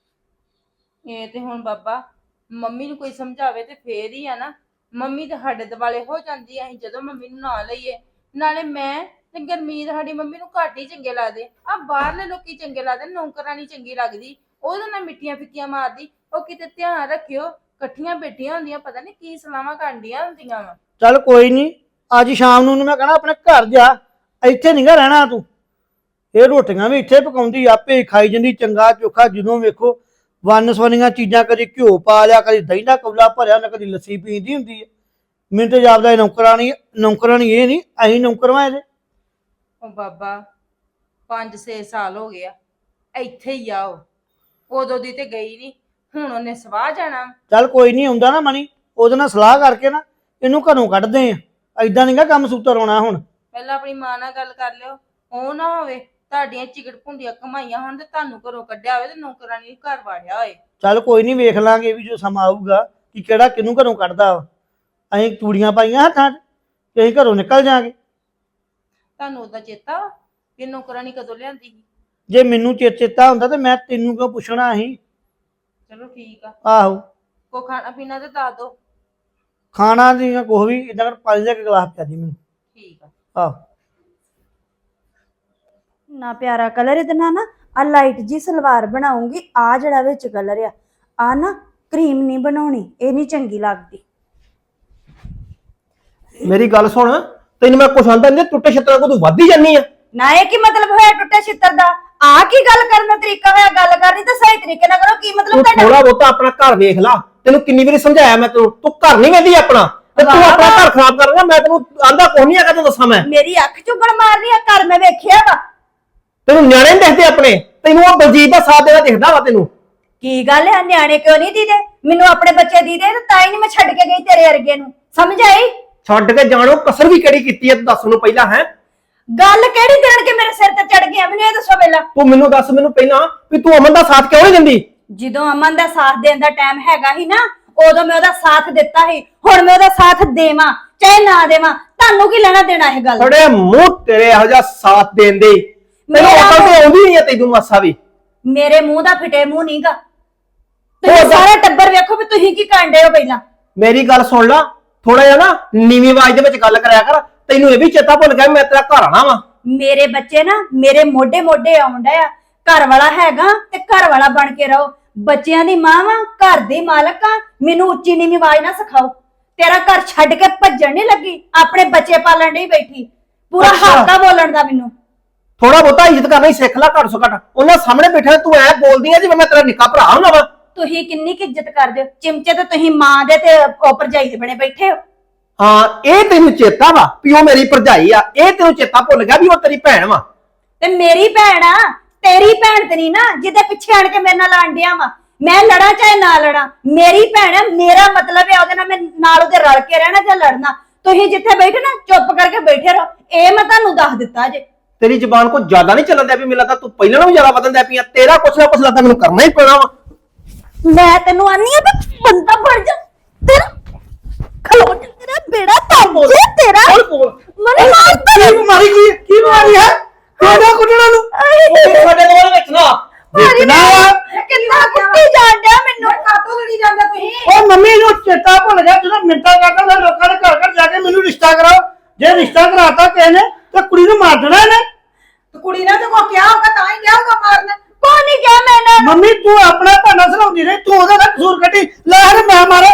Speaker 5: ਇਹ ਤੇ ਹੁਣ ਬਾਬਾ ਮੰਮੀ ਨੂੰ ਕੋਈ ਸਮਝਾਵੇ ਤੇ ਫੇਰ ਹੀ ਆ ਨਾ। ਮੰਮੀ ਤੇ ਸਾਡੇ ਦੁਆਲੇ ਹੋ ਜਾਂਦੀ ਆ ਅਸੀਂ ਜਦੋਂ ਮੰਮੀ ਨੂੰ ਨਾ ਲਈਏ। ਨਾਲੇ ਮੈਂ ਤੇ ਗੁਰਮੀਤ ਸਾਡੀ ਮੰਮੀ ਨੂੰ ਘੱਟ ਹੀ ਚੰਗੇ ਲੱਗਦੇ ਆ। ਬਾਹਰਲੇ ਲੋਕੀ ਚੰਗੇ ਲੱਗਦੇ, ਨੌਕਰਾਨੀ ਚੰਗੀ ਲੱਗਦੀ, ਉਹਦੇ ਨਾਲ ਮਿੱਠੀਆਂ ਫਿੱਕੀਆਂ ਮਾਰਦੀ। ਉਹ ਕਿਤੇ ਧਿਆਨ ਰੱਖਿਓ, ਇਕੱਠੀਆਂ ਬੈਠੀਆਂ ਹੁੰਦੀਆਂ, ਪਤਾ ਨਹੀਂ ਕੀ ਸਲਾਹਾਂ ਕਰਦੀਆਂ ਹੁੰਦੀਆਂ ਵਾ।
Speaker 6: ਚੱਲ ਕੋਈ ਨਹੀਂ, ਅੱਜ ਸ਼ਾਮ ਨੂੰ ਮੈਂ ਕਹਣਾ ਆਪਣੇ ਘਰ ਜਾ, ਇੱਥੇ ਨਹੀਂਗਾ ਰਹਿਣਾ ਤੂੰ। ਇਹ ਰੋਟੀਆਂ ਵੀ ਇੱਥੇ ਪਕਾਉਂਦੀ, ਆਪੇ ਖਾਈ ਜਾਂਦੀ, ਚੰਗਾ ਚੋਖਾ। ਜਦੋਂ ਵੇਖੋ ਵੰਨ ਸਵੰਨੀਆਂ ਚੀਜ਼ਾਂ, ਕਦੀ ਘਿਓ ਪਾ ਲਿਆ, ਕਦੀ ਦਹੀਂ ਦਾ ਕੌਲਾ ਭਰਿਆ, ਨਾ ਕਦੀ ਲੱਸੀ ਪੀਂਦੀ ਹੁੰਦੀ ਹੈ। ਮੈਨੂੰ ਤੇ ਜਾਪਦਾ ਨੌਕਰਾਣੀ ਇਹ ਨਹੀਂ, ਅਸੀਂ ਨੌਕਰਵਾਂ ਇਹਦੇ।
Speaker 5: ਉਹ ਬਾਬਾ 5-6 ਸਾਲ ਹੋ ਗਏ ਆ ਇੱਥੇ ਹੀ ਆ। ਉਹ ਉਦੋਂ ਦੀ ਤੇ ਗਈ ਨਹੀਂ, ਹੁਣ ਉਹਨੇ ਸਵਾਹ ਜਾਣਾ।
Speaker 6: ਚੱਲ ਕੋਈ ਨਹੀਂ, ਆਉਂਦਾ ਨਾ ਮਣੀ, ਉਹਦੇ ਨਾਲ ਸਲਾਹ ਕਰਕੇ ਨਾ ਇਹਨੂੰ ਘਰੋਂ ਕੱਢਦੇ ਆ। ਐਦਾਂ ਨਹੀਂਗਾ ਕੰਮ ਸੂਤਰ ਹੋਣਾ ਹੁਣ।
Speaker 5: ਪਹਿਲਾਂ ਆਪਣੀ ਮਾਂ ਨਾਲ ਗੱਲ ਕਰ ਲਿਓ, ਉਹ ਨਾ ਹੋਵੇ ਤੁਹਾਡੀਆਂ ਚਿਕਟ ਭੁੰਡੀਆਂ ਕਮਾਈਆਂ ਹੋਣ ਤੇ ਤੁਹਾਨੂੰ ਘਰੋਂ ਕੱਢਿਆ ਹੋਵੇ ਤੇ ਨੌਕਰਾਨੀ ਘਰ ਵਾੜਿਆ ਹੋਏ।
Speaker 6: ਚੱਲ ਕੋਈ ਨਹੀਂ, ਵੇਖ ਲਾਂਗੇ ਵੀ ਜੋ ਸਮਾਂ ਆਊਗਾ ਕਿ ਕਿਹੜਾ ਕਿਹਨੂੰ ਘਰੋਂ ਕੱਢਦਾ ਵਾ। ਅਸੀਂ ਚੂੜੀਆਂ ਪਾਈਆਂ ਹੱਥਾਂ 'ਚ ਤੇ ਅਸੀਂ ਘਰੋਂ ਨਿਕਲ ਜਾਾਂਗੇ।
Speaker 5: ਤੁਹਾਨੂੰ ਉਹਦਾ ਚੇਤਾ ਵਾ ਕਿ ਨੌਕਰਾਨੀ ਕਦੋਂ ਲਿਆਂਦੀ ਸੀ?
Speaker 6: ਜੇ ਮੈਨੂੰ ਚੇਤਾ ਹੁੰਦਾ ਤੇ ਮੈਂ ਤੈਨੂੰ ਕਿਉਂ ਪੁੱਛਣਾ ਸੀ।
Speaker 5: ਚਲੋ ਠੀਕ ਆ,
Speaker 6: ਆਹੋ,
Speaker 5: ਕੋ ਖਾਣਾ ਪੀਣਾ ਤੇ ਦੱਸ ਦੋ।
Speaker 6: ਖਾਣਾ ਦੀਆਂ ਕੁਛ ਵੀ ਇਦਾਂ ਕਰ, ਪਾਣੀ ਦਾ ਇੱਕ ਗਲਾਸ ਪਿਆ ਦੀ ਮੈਨੂੰ।
Speaker 5: ਠੀਕ ਆ।
Speaker 6: ਆਹੋ,
Speaker 4: ਨਾ ਪਿਆਰਾ ਕਲਰ ਇਹਦੇ ਨਾਲ ਨਾ ਆ ਲਾਈਟ ਜੀ ਸਲਵਾਰ ਬਣਾਉਂਗੀ। ਆ ਜਿਹੜਾ ਵਿੱਚ ਕਲਰ ਆ ਨਾ ਕਰੀਮ ਨਹੀਂ ਬਣਾਉਣੀ, ਇਹ ਨਹੀਂ ਚੰਗੀ ਲੱਗਦੀ।
Speaker 3: ਮੇਰੀ ਗੱਲ ਸੁਣ, ਤੈਨੂੰ ਮੈਂ ਕੁਛ ਆਂਦਾ ਨਹੀਂ, ਟੁੱਟੇ ਛਿੱਤਰਾਂ ਕੋ ਤੂੰ ਵੱਧਦੀ ਜਾਨੀ ਆ।
Speaker 4: ਨਾ ਇਹ ਕੀ ਮਤਲਬ ਹੋਇਆ ਟੁੱਟੇ ਛਿੱਤਰ ਦਾ? ਆ ਕੀ ਗੱਲ ਕਰਨ ਦਾ ਤਰੀਕਾ ਹੋਇਆ? ਗੱਲ ਕਰਨੀ ਤਾਂ ਸਹੀ ਤਰੀਕੇ ਨਾਲ ਕਰੋ। ਕੀ ਮਤਲਬ
Speaker 3: ਤੂੰ
Speaker 4: ਤੁਹਾਡਾ?
Speaker 3: ਥੋੜਾ ਬਹੁਤਾ ਆਪਣਾ ਘਰ ਵੇਖ ਲਾ। ਤੈਨੂੰ ਕਿੰਨੀ ਵਾਰੀ ਸਮਝਾਇਆ ਮੈਂ, ਤੂੰ ਘਰ ਨਹੀਂ ਵੇਂਦੀ ਆਪਣਾ, ਤੇ ਤੂੰ ਆਪਣਾ ਘਰ ਖਰਾਬ ਕਰ ਰਿਹਾ। ਮੈਂ ਤੈਨੂੰ ਆਂਦਾ ਕੋਈ ਨਹੀਂ ਹੈਗਾ, ਤੈਨੂੰ ਦੱਸਾਂ ਮੈਂ।
Speaker 4: ਮੇਰੀ ਅੱਖ ਚੁੱਗਣ ਮਾਰਨੀ ਆ, ਘਰ ਮੈਂ ਵੇਖਿਆ ਵਾ।
Speaker 3: ਤੈਨੂੰ ਨਿਆਣੇ ਨਹੀਂ ਦਿਖਦੇ ਆਪਣੇ, ਤੈਨੂੰ ਉਹ ਬਲਜੀਤ ਦਾ ਸਾਥ ਦੇਣਾ ਦਿਖਦਾ ਵਾ ਤੈਨੂੰ।
Speaker 4: ਕੀ ਗੱਲ ਹੈ, ਨਿਆਣੇ ਕਿਉਂ ਨਹੀਂ ਦੀਦੇ? ਮੈਨੂੰ ਆਪਣੇ ਬੱਚੇ ਦੀਦੇ ਤੇ ਤਾਂ ਹੀ ਨਹੀਂ ਮੈਂ ਛੱਡ ਕੇ ਗਈ ਤੇਰੇ ਵਰਗੇ ਨੂੰ। ਸਮਝ ਆਈ?
Speaker 3: ਛੱਡ ਕੇ ਜਾਣੋ ਕਸਰ ਵੀ ਕਿਹੜੀ ਕੀਤੀ ਹੈ, ਤੂੰ ਦੱਸ ਮੈਨੂੰ ਪਹਿਲਾਂ। ਹੈ
Speaker 4: ਗੱਲ ਕਿਹੜੀ ਦੇਣ ਕੇ ਮੇਰੇ ਸਿਰ ਤੇ ਚੜ ਗਿਆ? ਮੈਨੂੰ ਇਹ ਦੱਸੋ ਪਹਿਲਾਂ।
Speaker 3: ਤੂੰ ਮੈਨੂੰ ਦੱਸ ਮੈਨੂੰ ਪਹਿਲਾਂ ਵੀ ਤੂੰ ਅਮਨ ਦਾ ਸਾਥ ਕਿਉਂ ਨਹੀਂ ਦਿੰਦੀ?
Speaker 4: ਜਦੋਂ ਅਮਨ ਦਾ ਸਾਥ ਦੇਣ ਦਾ ਟਾਈਮ ਹੈਗਾ ਹੀ ਨਾ, ਉਦੋਂ ਮੈਂ ਉਹਦਾ ਸਾਥ ਦਿੱਤਾ ਸੀ। ਹੁਣ ਮੈਂ ਉਹਦਾ ਸਾਥ ਦੇਵਾਂ ਚਾਹੇ ਨਾ ਦੇਵਾਂ, ਤੁਹਾਨੂੰ ਕੀ ਲੈਣਾ ਦੇਣਾ ਇਹ ਗੱਲ?
Speaker 3: ਥੋੜੇ ਮੂੰਹ ਤੇਰੇ ਇਹੋ ਜਿਹਾ ਸਾਥ ਦੇਣ ਦੇ, ਤੈਨੂੰ ਅਕਲ ਤੇ ਆਉਂਦੀ ਨਹੀਂ ਹੈ ਤੈਨੂੰ ਮਾਸਾ ਵੀ।
Speaker 4: ਮੇਰੇ ਮੂੰਹ ਦਾ ਫਿੱਟੇ ਮੂੰਹ ਨਹੀਂਗਾ। ਤੁਸੀਂ ਸਾਰਾ ਟੱਬਰ ਵੇਖੋ ਵੀ ਤੁਸੀਂ ਕੀ ਕਾਂਡੇ ਹੋ। ਪਹਿਲਾਂ
Speaker 3: ਮੇਰੀ ਗੱਲ ਸੁਣ ਲਾ, ਥੋੜਾ ਜਿਹਾ ਨਾ ਨੀਵੀਂ ਆਵਾਜ਼ ਦੇ ਵਿੱਚ ਗੱਲ ਕਰਿਆ ਕਰ। ਤੈਨੂੰ ਇਹ ਵੀ ਚੇਤਾ ਭੁੱਲ ਗਿਆ ਮੈਂ ਤੇਰਾ ਘਰ ਆਣਾ ਵਾ।
Speaker 4: ਮੇਰੇ ਬੱਚੇ ਨਾ ਮੇਰੇ ਮੋਢੇ ਮੋਢੇ ਆਉਂਦਾ ਆ। ਘਰ ਵਾਲਾ ਹੈਗਾ ਤੇ ਘਰ ਵਾਲਾ ਬਣ ਕੇ ਰਹੋ। ਬੱਚਿਆਂ ਦੀ ਮਾਂ ਵਾ, ਘਰ ਦੀ ਮਾਲਕ ਆ। ਮੈਨੂੰ ਉੱਚੀ ਨੀਵੀਂ ਆਵਾਜ਼ ਨਾ ਸਿਖਾਓ। ਤੇਰਾ ਘਰ ਛੱਡ ਕੇ ਭੱਜਣ ਨਹੀਂ ਲੱਗੀ, ਆਪਣੇ ਬੱਚੇ ਪਾਲਣ ਨਹੀਂ ਬੈਠੀ। ਪੂਰਾ ਹੱਕ ਆ ਬੋਲਣ ਦਾ ਮੈਨੂੰ।
Speaker 3: ਥੋੜਾ ਬਹੁਤਾ ਇੱਜ਼ਤ ਕਰਨਾ ਹੀ ਸਿੱਖ ਲੈ, ਘੱਟ ਸੋ ਘੱਟ। ਉਹਨਾਂ ਸਾਹਮਣੇ ਬੈਠਾ ਤੂੰ ਐ ਬੋਲਦੀ ਆ ਜਿਵੇਂ ਮੈਂ ਤੇਰਾ ਨਿੱਕਾ ਭਰਾ ਹੁੰਦਾ ਵਾ।
Speaker 4: ਤੁਸੀਂ ਕਿੰਨੀ ਕੁ ਇੱਜ਼ਤ ਕਰਦੇ ਹੋ? ਚਿਮਚੇ ਤੇ ਤੁਸੀਂ ਮਾਂ ਦੇ ਤੇ ਭਰਜਾਈ ਦੇ ਬਣੇ ਬੈਠੇ ਹੋ।
Speaker 3: ਹਾਂ, ਇਹ ਤੈਨੂੰ ਚੇਤਾ ਵਾ ਵੀ ਉਹ ਮੇਰੀ ਭਰਜਾਈ ਆ। ਇਹ ਤੈਨੂੰ ਚੇਤਾ ਭੁੱਲ ਗਿਆ ਵੀ ਉਹ ਤੇਰੀ ਭੈਣ ਵਾ।
Speaker 4: ਤੇ ਮੇਰੀ ਭੈਣ ਆ, ਤੇਰੀ ਭੈਣ ਤੇ ਨਹੀਂ ਨਾ ਜਿਹਦੇ ਪਿੱਛੇ ਆਣ ਕੇ ਮੇਰੇ ਨਾਲ ਆਂਡਿਆ ਵਾ। ਮੈਂ ਲੜਾਂ ਚਾਹੇ ਨਾ ਲੜਾਂ, ਮੇਰੀ ਭੈਣ ਹੈ। ਮੇਰਾ ਮਤਲਬ ਹੈ ਉਹਦੇ ਨਾਲ ਮੈਂ ਨਾਲ ਉਹਦੇ ਰਲ ਕੇ ਰਹਿਣਾ ਜਾਂ ਲੜਨਾ। ਤੁਸੀਂ ਜਿੱਥੇ ਬੈਠੇ ਨਾ ਚੁੱਪ ਕਰਕੇ ਬੈਠੇ ਰਹੋ। ਇਹ ਮੈਂ ਤੁਹਾਨੂੰ ਦੱਸ ਦਿੱਤਾ ਜੇ।
Speaker 3: ਤੇਰੀ ਜ਼ਬਾਨ ਕੋ ਜ਼ਿਆਦਾ ਨਹੀਂ ਚੱਲਣ ਦਿਆ ਵੀ ਮੈਨੂੰ ਲੱਗਦਾ ਤੂੰ ਪਹਿਲਾਂ ਨਾਲੋਂ ਜ਼ਿਆਦਾ ਵਧਣ ਦਿਆ ਪਈ ਆ। ਤੇਰਾ ਕੁਛ ਨਾ ਕੁਛ ਲੱਗਦਾ ਮੈਨੂੰ ਕਰਨਾ ਹੀ ਪੈਣਾ ਵਾ।
Speaker 4: ਮੈਂ ਤੈਨੂੰ ਆਨੀ ਆ ਵੀ ਬੰਦਾ ਬਣ ਜਾ ਤੇਰਾ ਖਲੋ ਜਾ ਤੇਰਾ ਬੇੜਾ ਤਾਂ ਜੇ ਤੇਰਾ
Speaker 3: ਬੋਲ
Speaker 4: ਮਨੇ ਮਾਰ
Speaker 6: ਕੀ ਬਿਮਾਰੀ ਕੀ ਬਿਮਾਰੀ ਹੈ ਕਿਹੜਾ ਕੁੱਟਣਾ ਨੂੰ
Speaker 3: ਸਾਡੇ ਕੋਲ ਵਿੱਚ ਨਾ
Speaker 6: ਵੇਚਣਾ ਵਾ।
Speaker 4: ਕਿੰਨਾ ਕੁੱਟੀ ਜਾਣ ਡਿਆ ਮੈਨੂੰ
Speaker 2: ਕਾਤੋਂ ਲੜੀ ਜਾਂਦੇ ਤੁਸੀਂ
Speaker 6: ਉਹ ਮੰਮੀ ਨੂੰ ਚੇਤਾ ਭੁੱਲ ਗਿਆ ਜਦੋਂ ਮਿੰਟਾਂ ਕਰਦਾ ਮੈਂ ਲੋਕਾਂ ਦੇ ਘਰ ਜਾ ਕੇ ਮੈਨੂੰ ਰਿਸ਼ਤਾ ਕਰਾਓ। ਜੇ ਰਿਸ਼ਤਾ ਕਰਾਤਾ ਕਿਸੇ ਨੇ ਤਾਂ ਕੁੜੀ ਨੂੰ ਮਾਰ ਦੇਣਾ ਇਹਨੇ।
Speaker 2: ਤੇ ਕੁੜੀ ਨੇ ਤੇ ਕੋ ਕਿਹਾ ਹੋਗਾ ਤਾਂ ਹੀ ਗਿਆ ਹੋਗਾ ਮਾਰਨ
Speaker 4: ਕੋ ਨਹੀਂ ਕਿਹਾ ਮੈਂ
Speaker 6: ਮੰਮੀ ਤੂੰ ਆਪਣਾ ਭਾਣਾ ਸੁਣਾਉਂਦੀ ਰਹੀ ਤੂੰ ਉਹਦਾ ਤਾਂ ਕਸੂਰ ਕੱਢੀ ਲੈ ਹਰ ਮੈਂ ਮਾਰਾ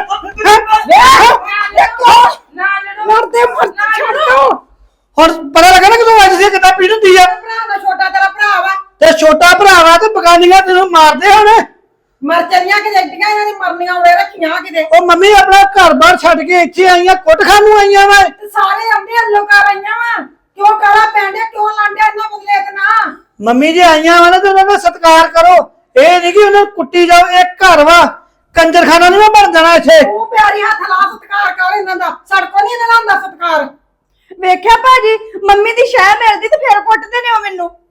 Speaker 2: ਮਰਦੇ ਮਰ ਛੱਡ ਦੋ
Speaker 6: ਹੁਣ ਪਤਾ ਲੱਗਾ ਨਾ ਕਿ ਤੂੰ ਅੱਜ ਦੀ ਕਿੱਦਾਂ ਪੀੜ ਹੁੰਦੀ ਆ
Speaker 2: ਭਰਾ ਦਾ ਛੋਟਾ ਤੇਰਾ ਭਰਾ ਵਾ
Speaker 6: ਤੇ ਛੋਟਾ ਭਰਾ ਵਾ ਤੇ ਬਗਾਨੀਆਂ ਤੈਨੂੰ ਮਾਰਦੇ ਹੁਣ।
Speaker 2: ਮਰ ਚੱਲੀਆਂ ਕਿ ਜੱਟੀਆਂ ਇਹਨਾਂ ਦੀ ਮਰਨੀਆਂ ਉੜੇ ਰੱਖੀਆਂ ਕਿਤੇ
Speaker 6: ਉਹ ਮੰਮੀ ਆਪਣਾ ਘਰ-ਬਾਰ ਛੱਡ ਕੇ ਇੱਥੇ ਆਈਆਂ ਕੁੱਟ ਖਾਣ ਨੂੰ ਆਈਆਂ ਵਾ।
Speaker 2: ਤੇ ਸਾਰੇ ਆਉਂਦੇ ਹੱਲੋ ਕਰ ਆਈਆਂ ਵਾ ਕਿਉਂ ਕਾਲਾ ਪੈਂਦੇ ਕਿਉਂ ਲਾਂਡਿਆ ਇਹਨਾਂ ਬਦਲੇ ਤੇ ਨਾ
Speaker 6: ਮੰਮੀ ਜੇ ਆਈਆਂ ਵਾ ਨਾ ਤੇ ਉਹਨਾਂ ਦਾ ਸਤਿਕਾਰ ਕਰੋ। ਇਹ ਨਹੀਂ ਕਿ ਉਹਨਾਂ ਨੂੰ ਕੁੱਟੀ ਜਾਓ। ਇਹ ਘਰ ਵਾ ਕੰਜਰਖਾਨਾ ਨਹੀਂ ਬਣ ਜਾਣਾ ਇੱਥੇ।
Speaker 2: ਉਹ ਪਿਆਰੀ ਹੱਥ ਲਾ ਸਤਿਕਾਰ ਕਰ ਇਹਨਾਂ ਦਾ ਸੜਕੋਂ ਨਹੀਂ ਇਹਨਾਂ ਦਾ ਹੁੰਦਾ ਸਤਿਕਾਰ
Speaker 4: ਵੇਖਿਆ ਭਾਜੀ ਮੰਮੀ ਦੀ ਸ਼ਹਿ ਮਿਲਦੀ ਤੇ ਫਿਰ ਕੁੱਟਦੇ ਨੇ ਉਹ ਮੈਨੂੰ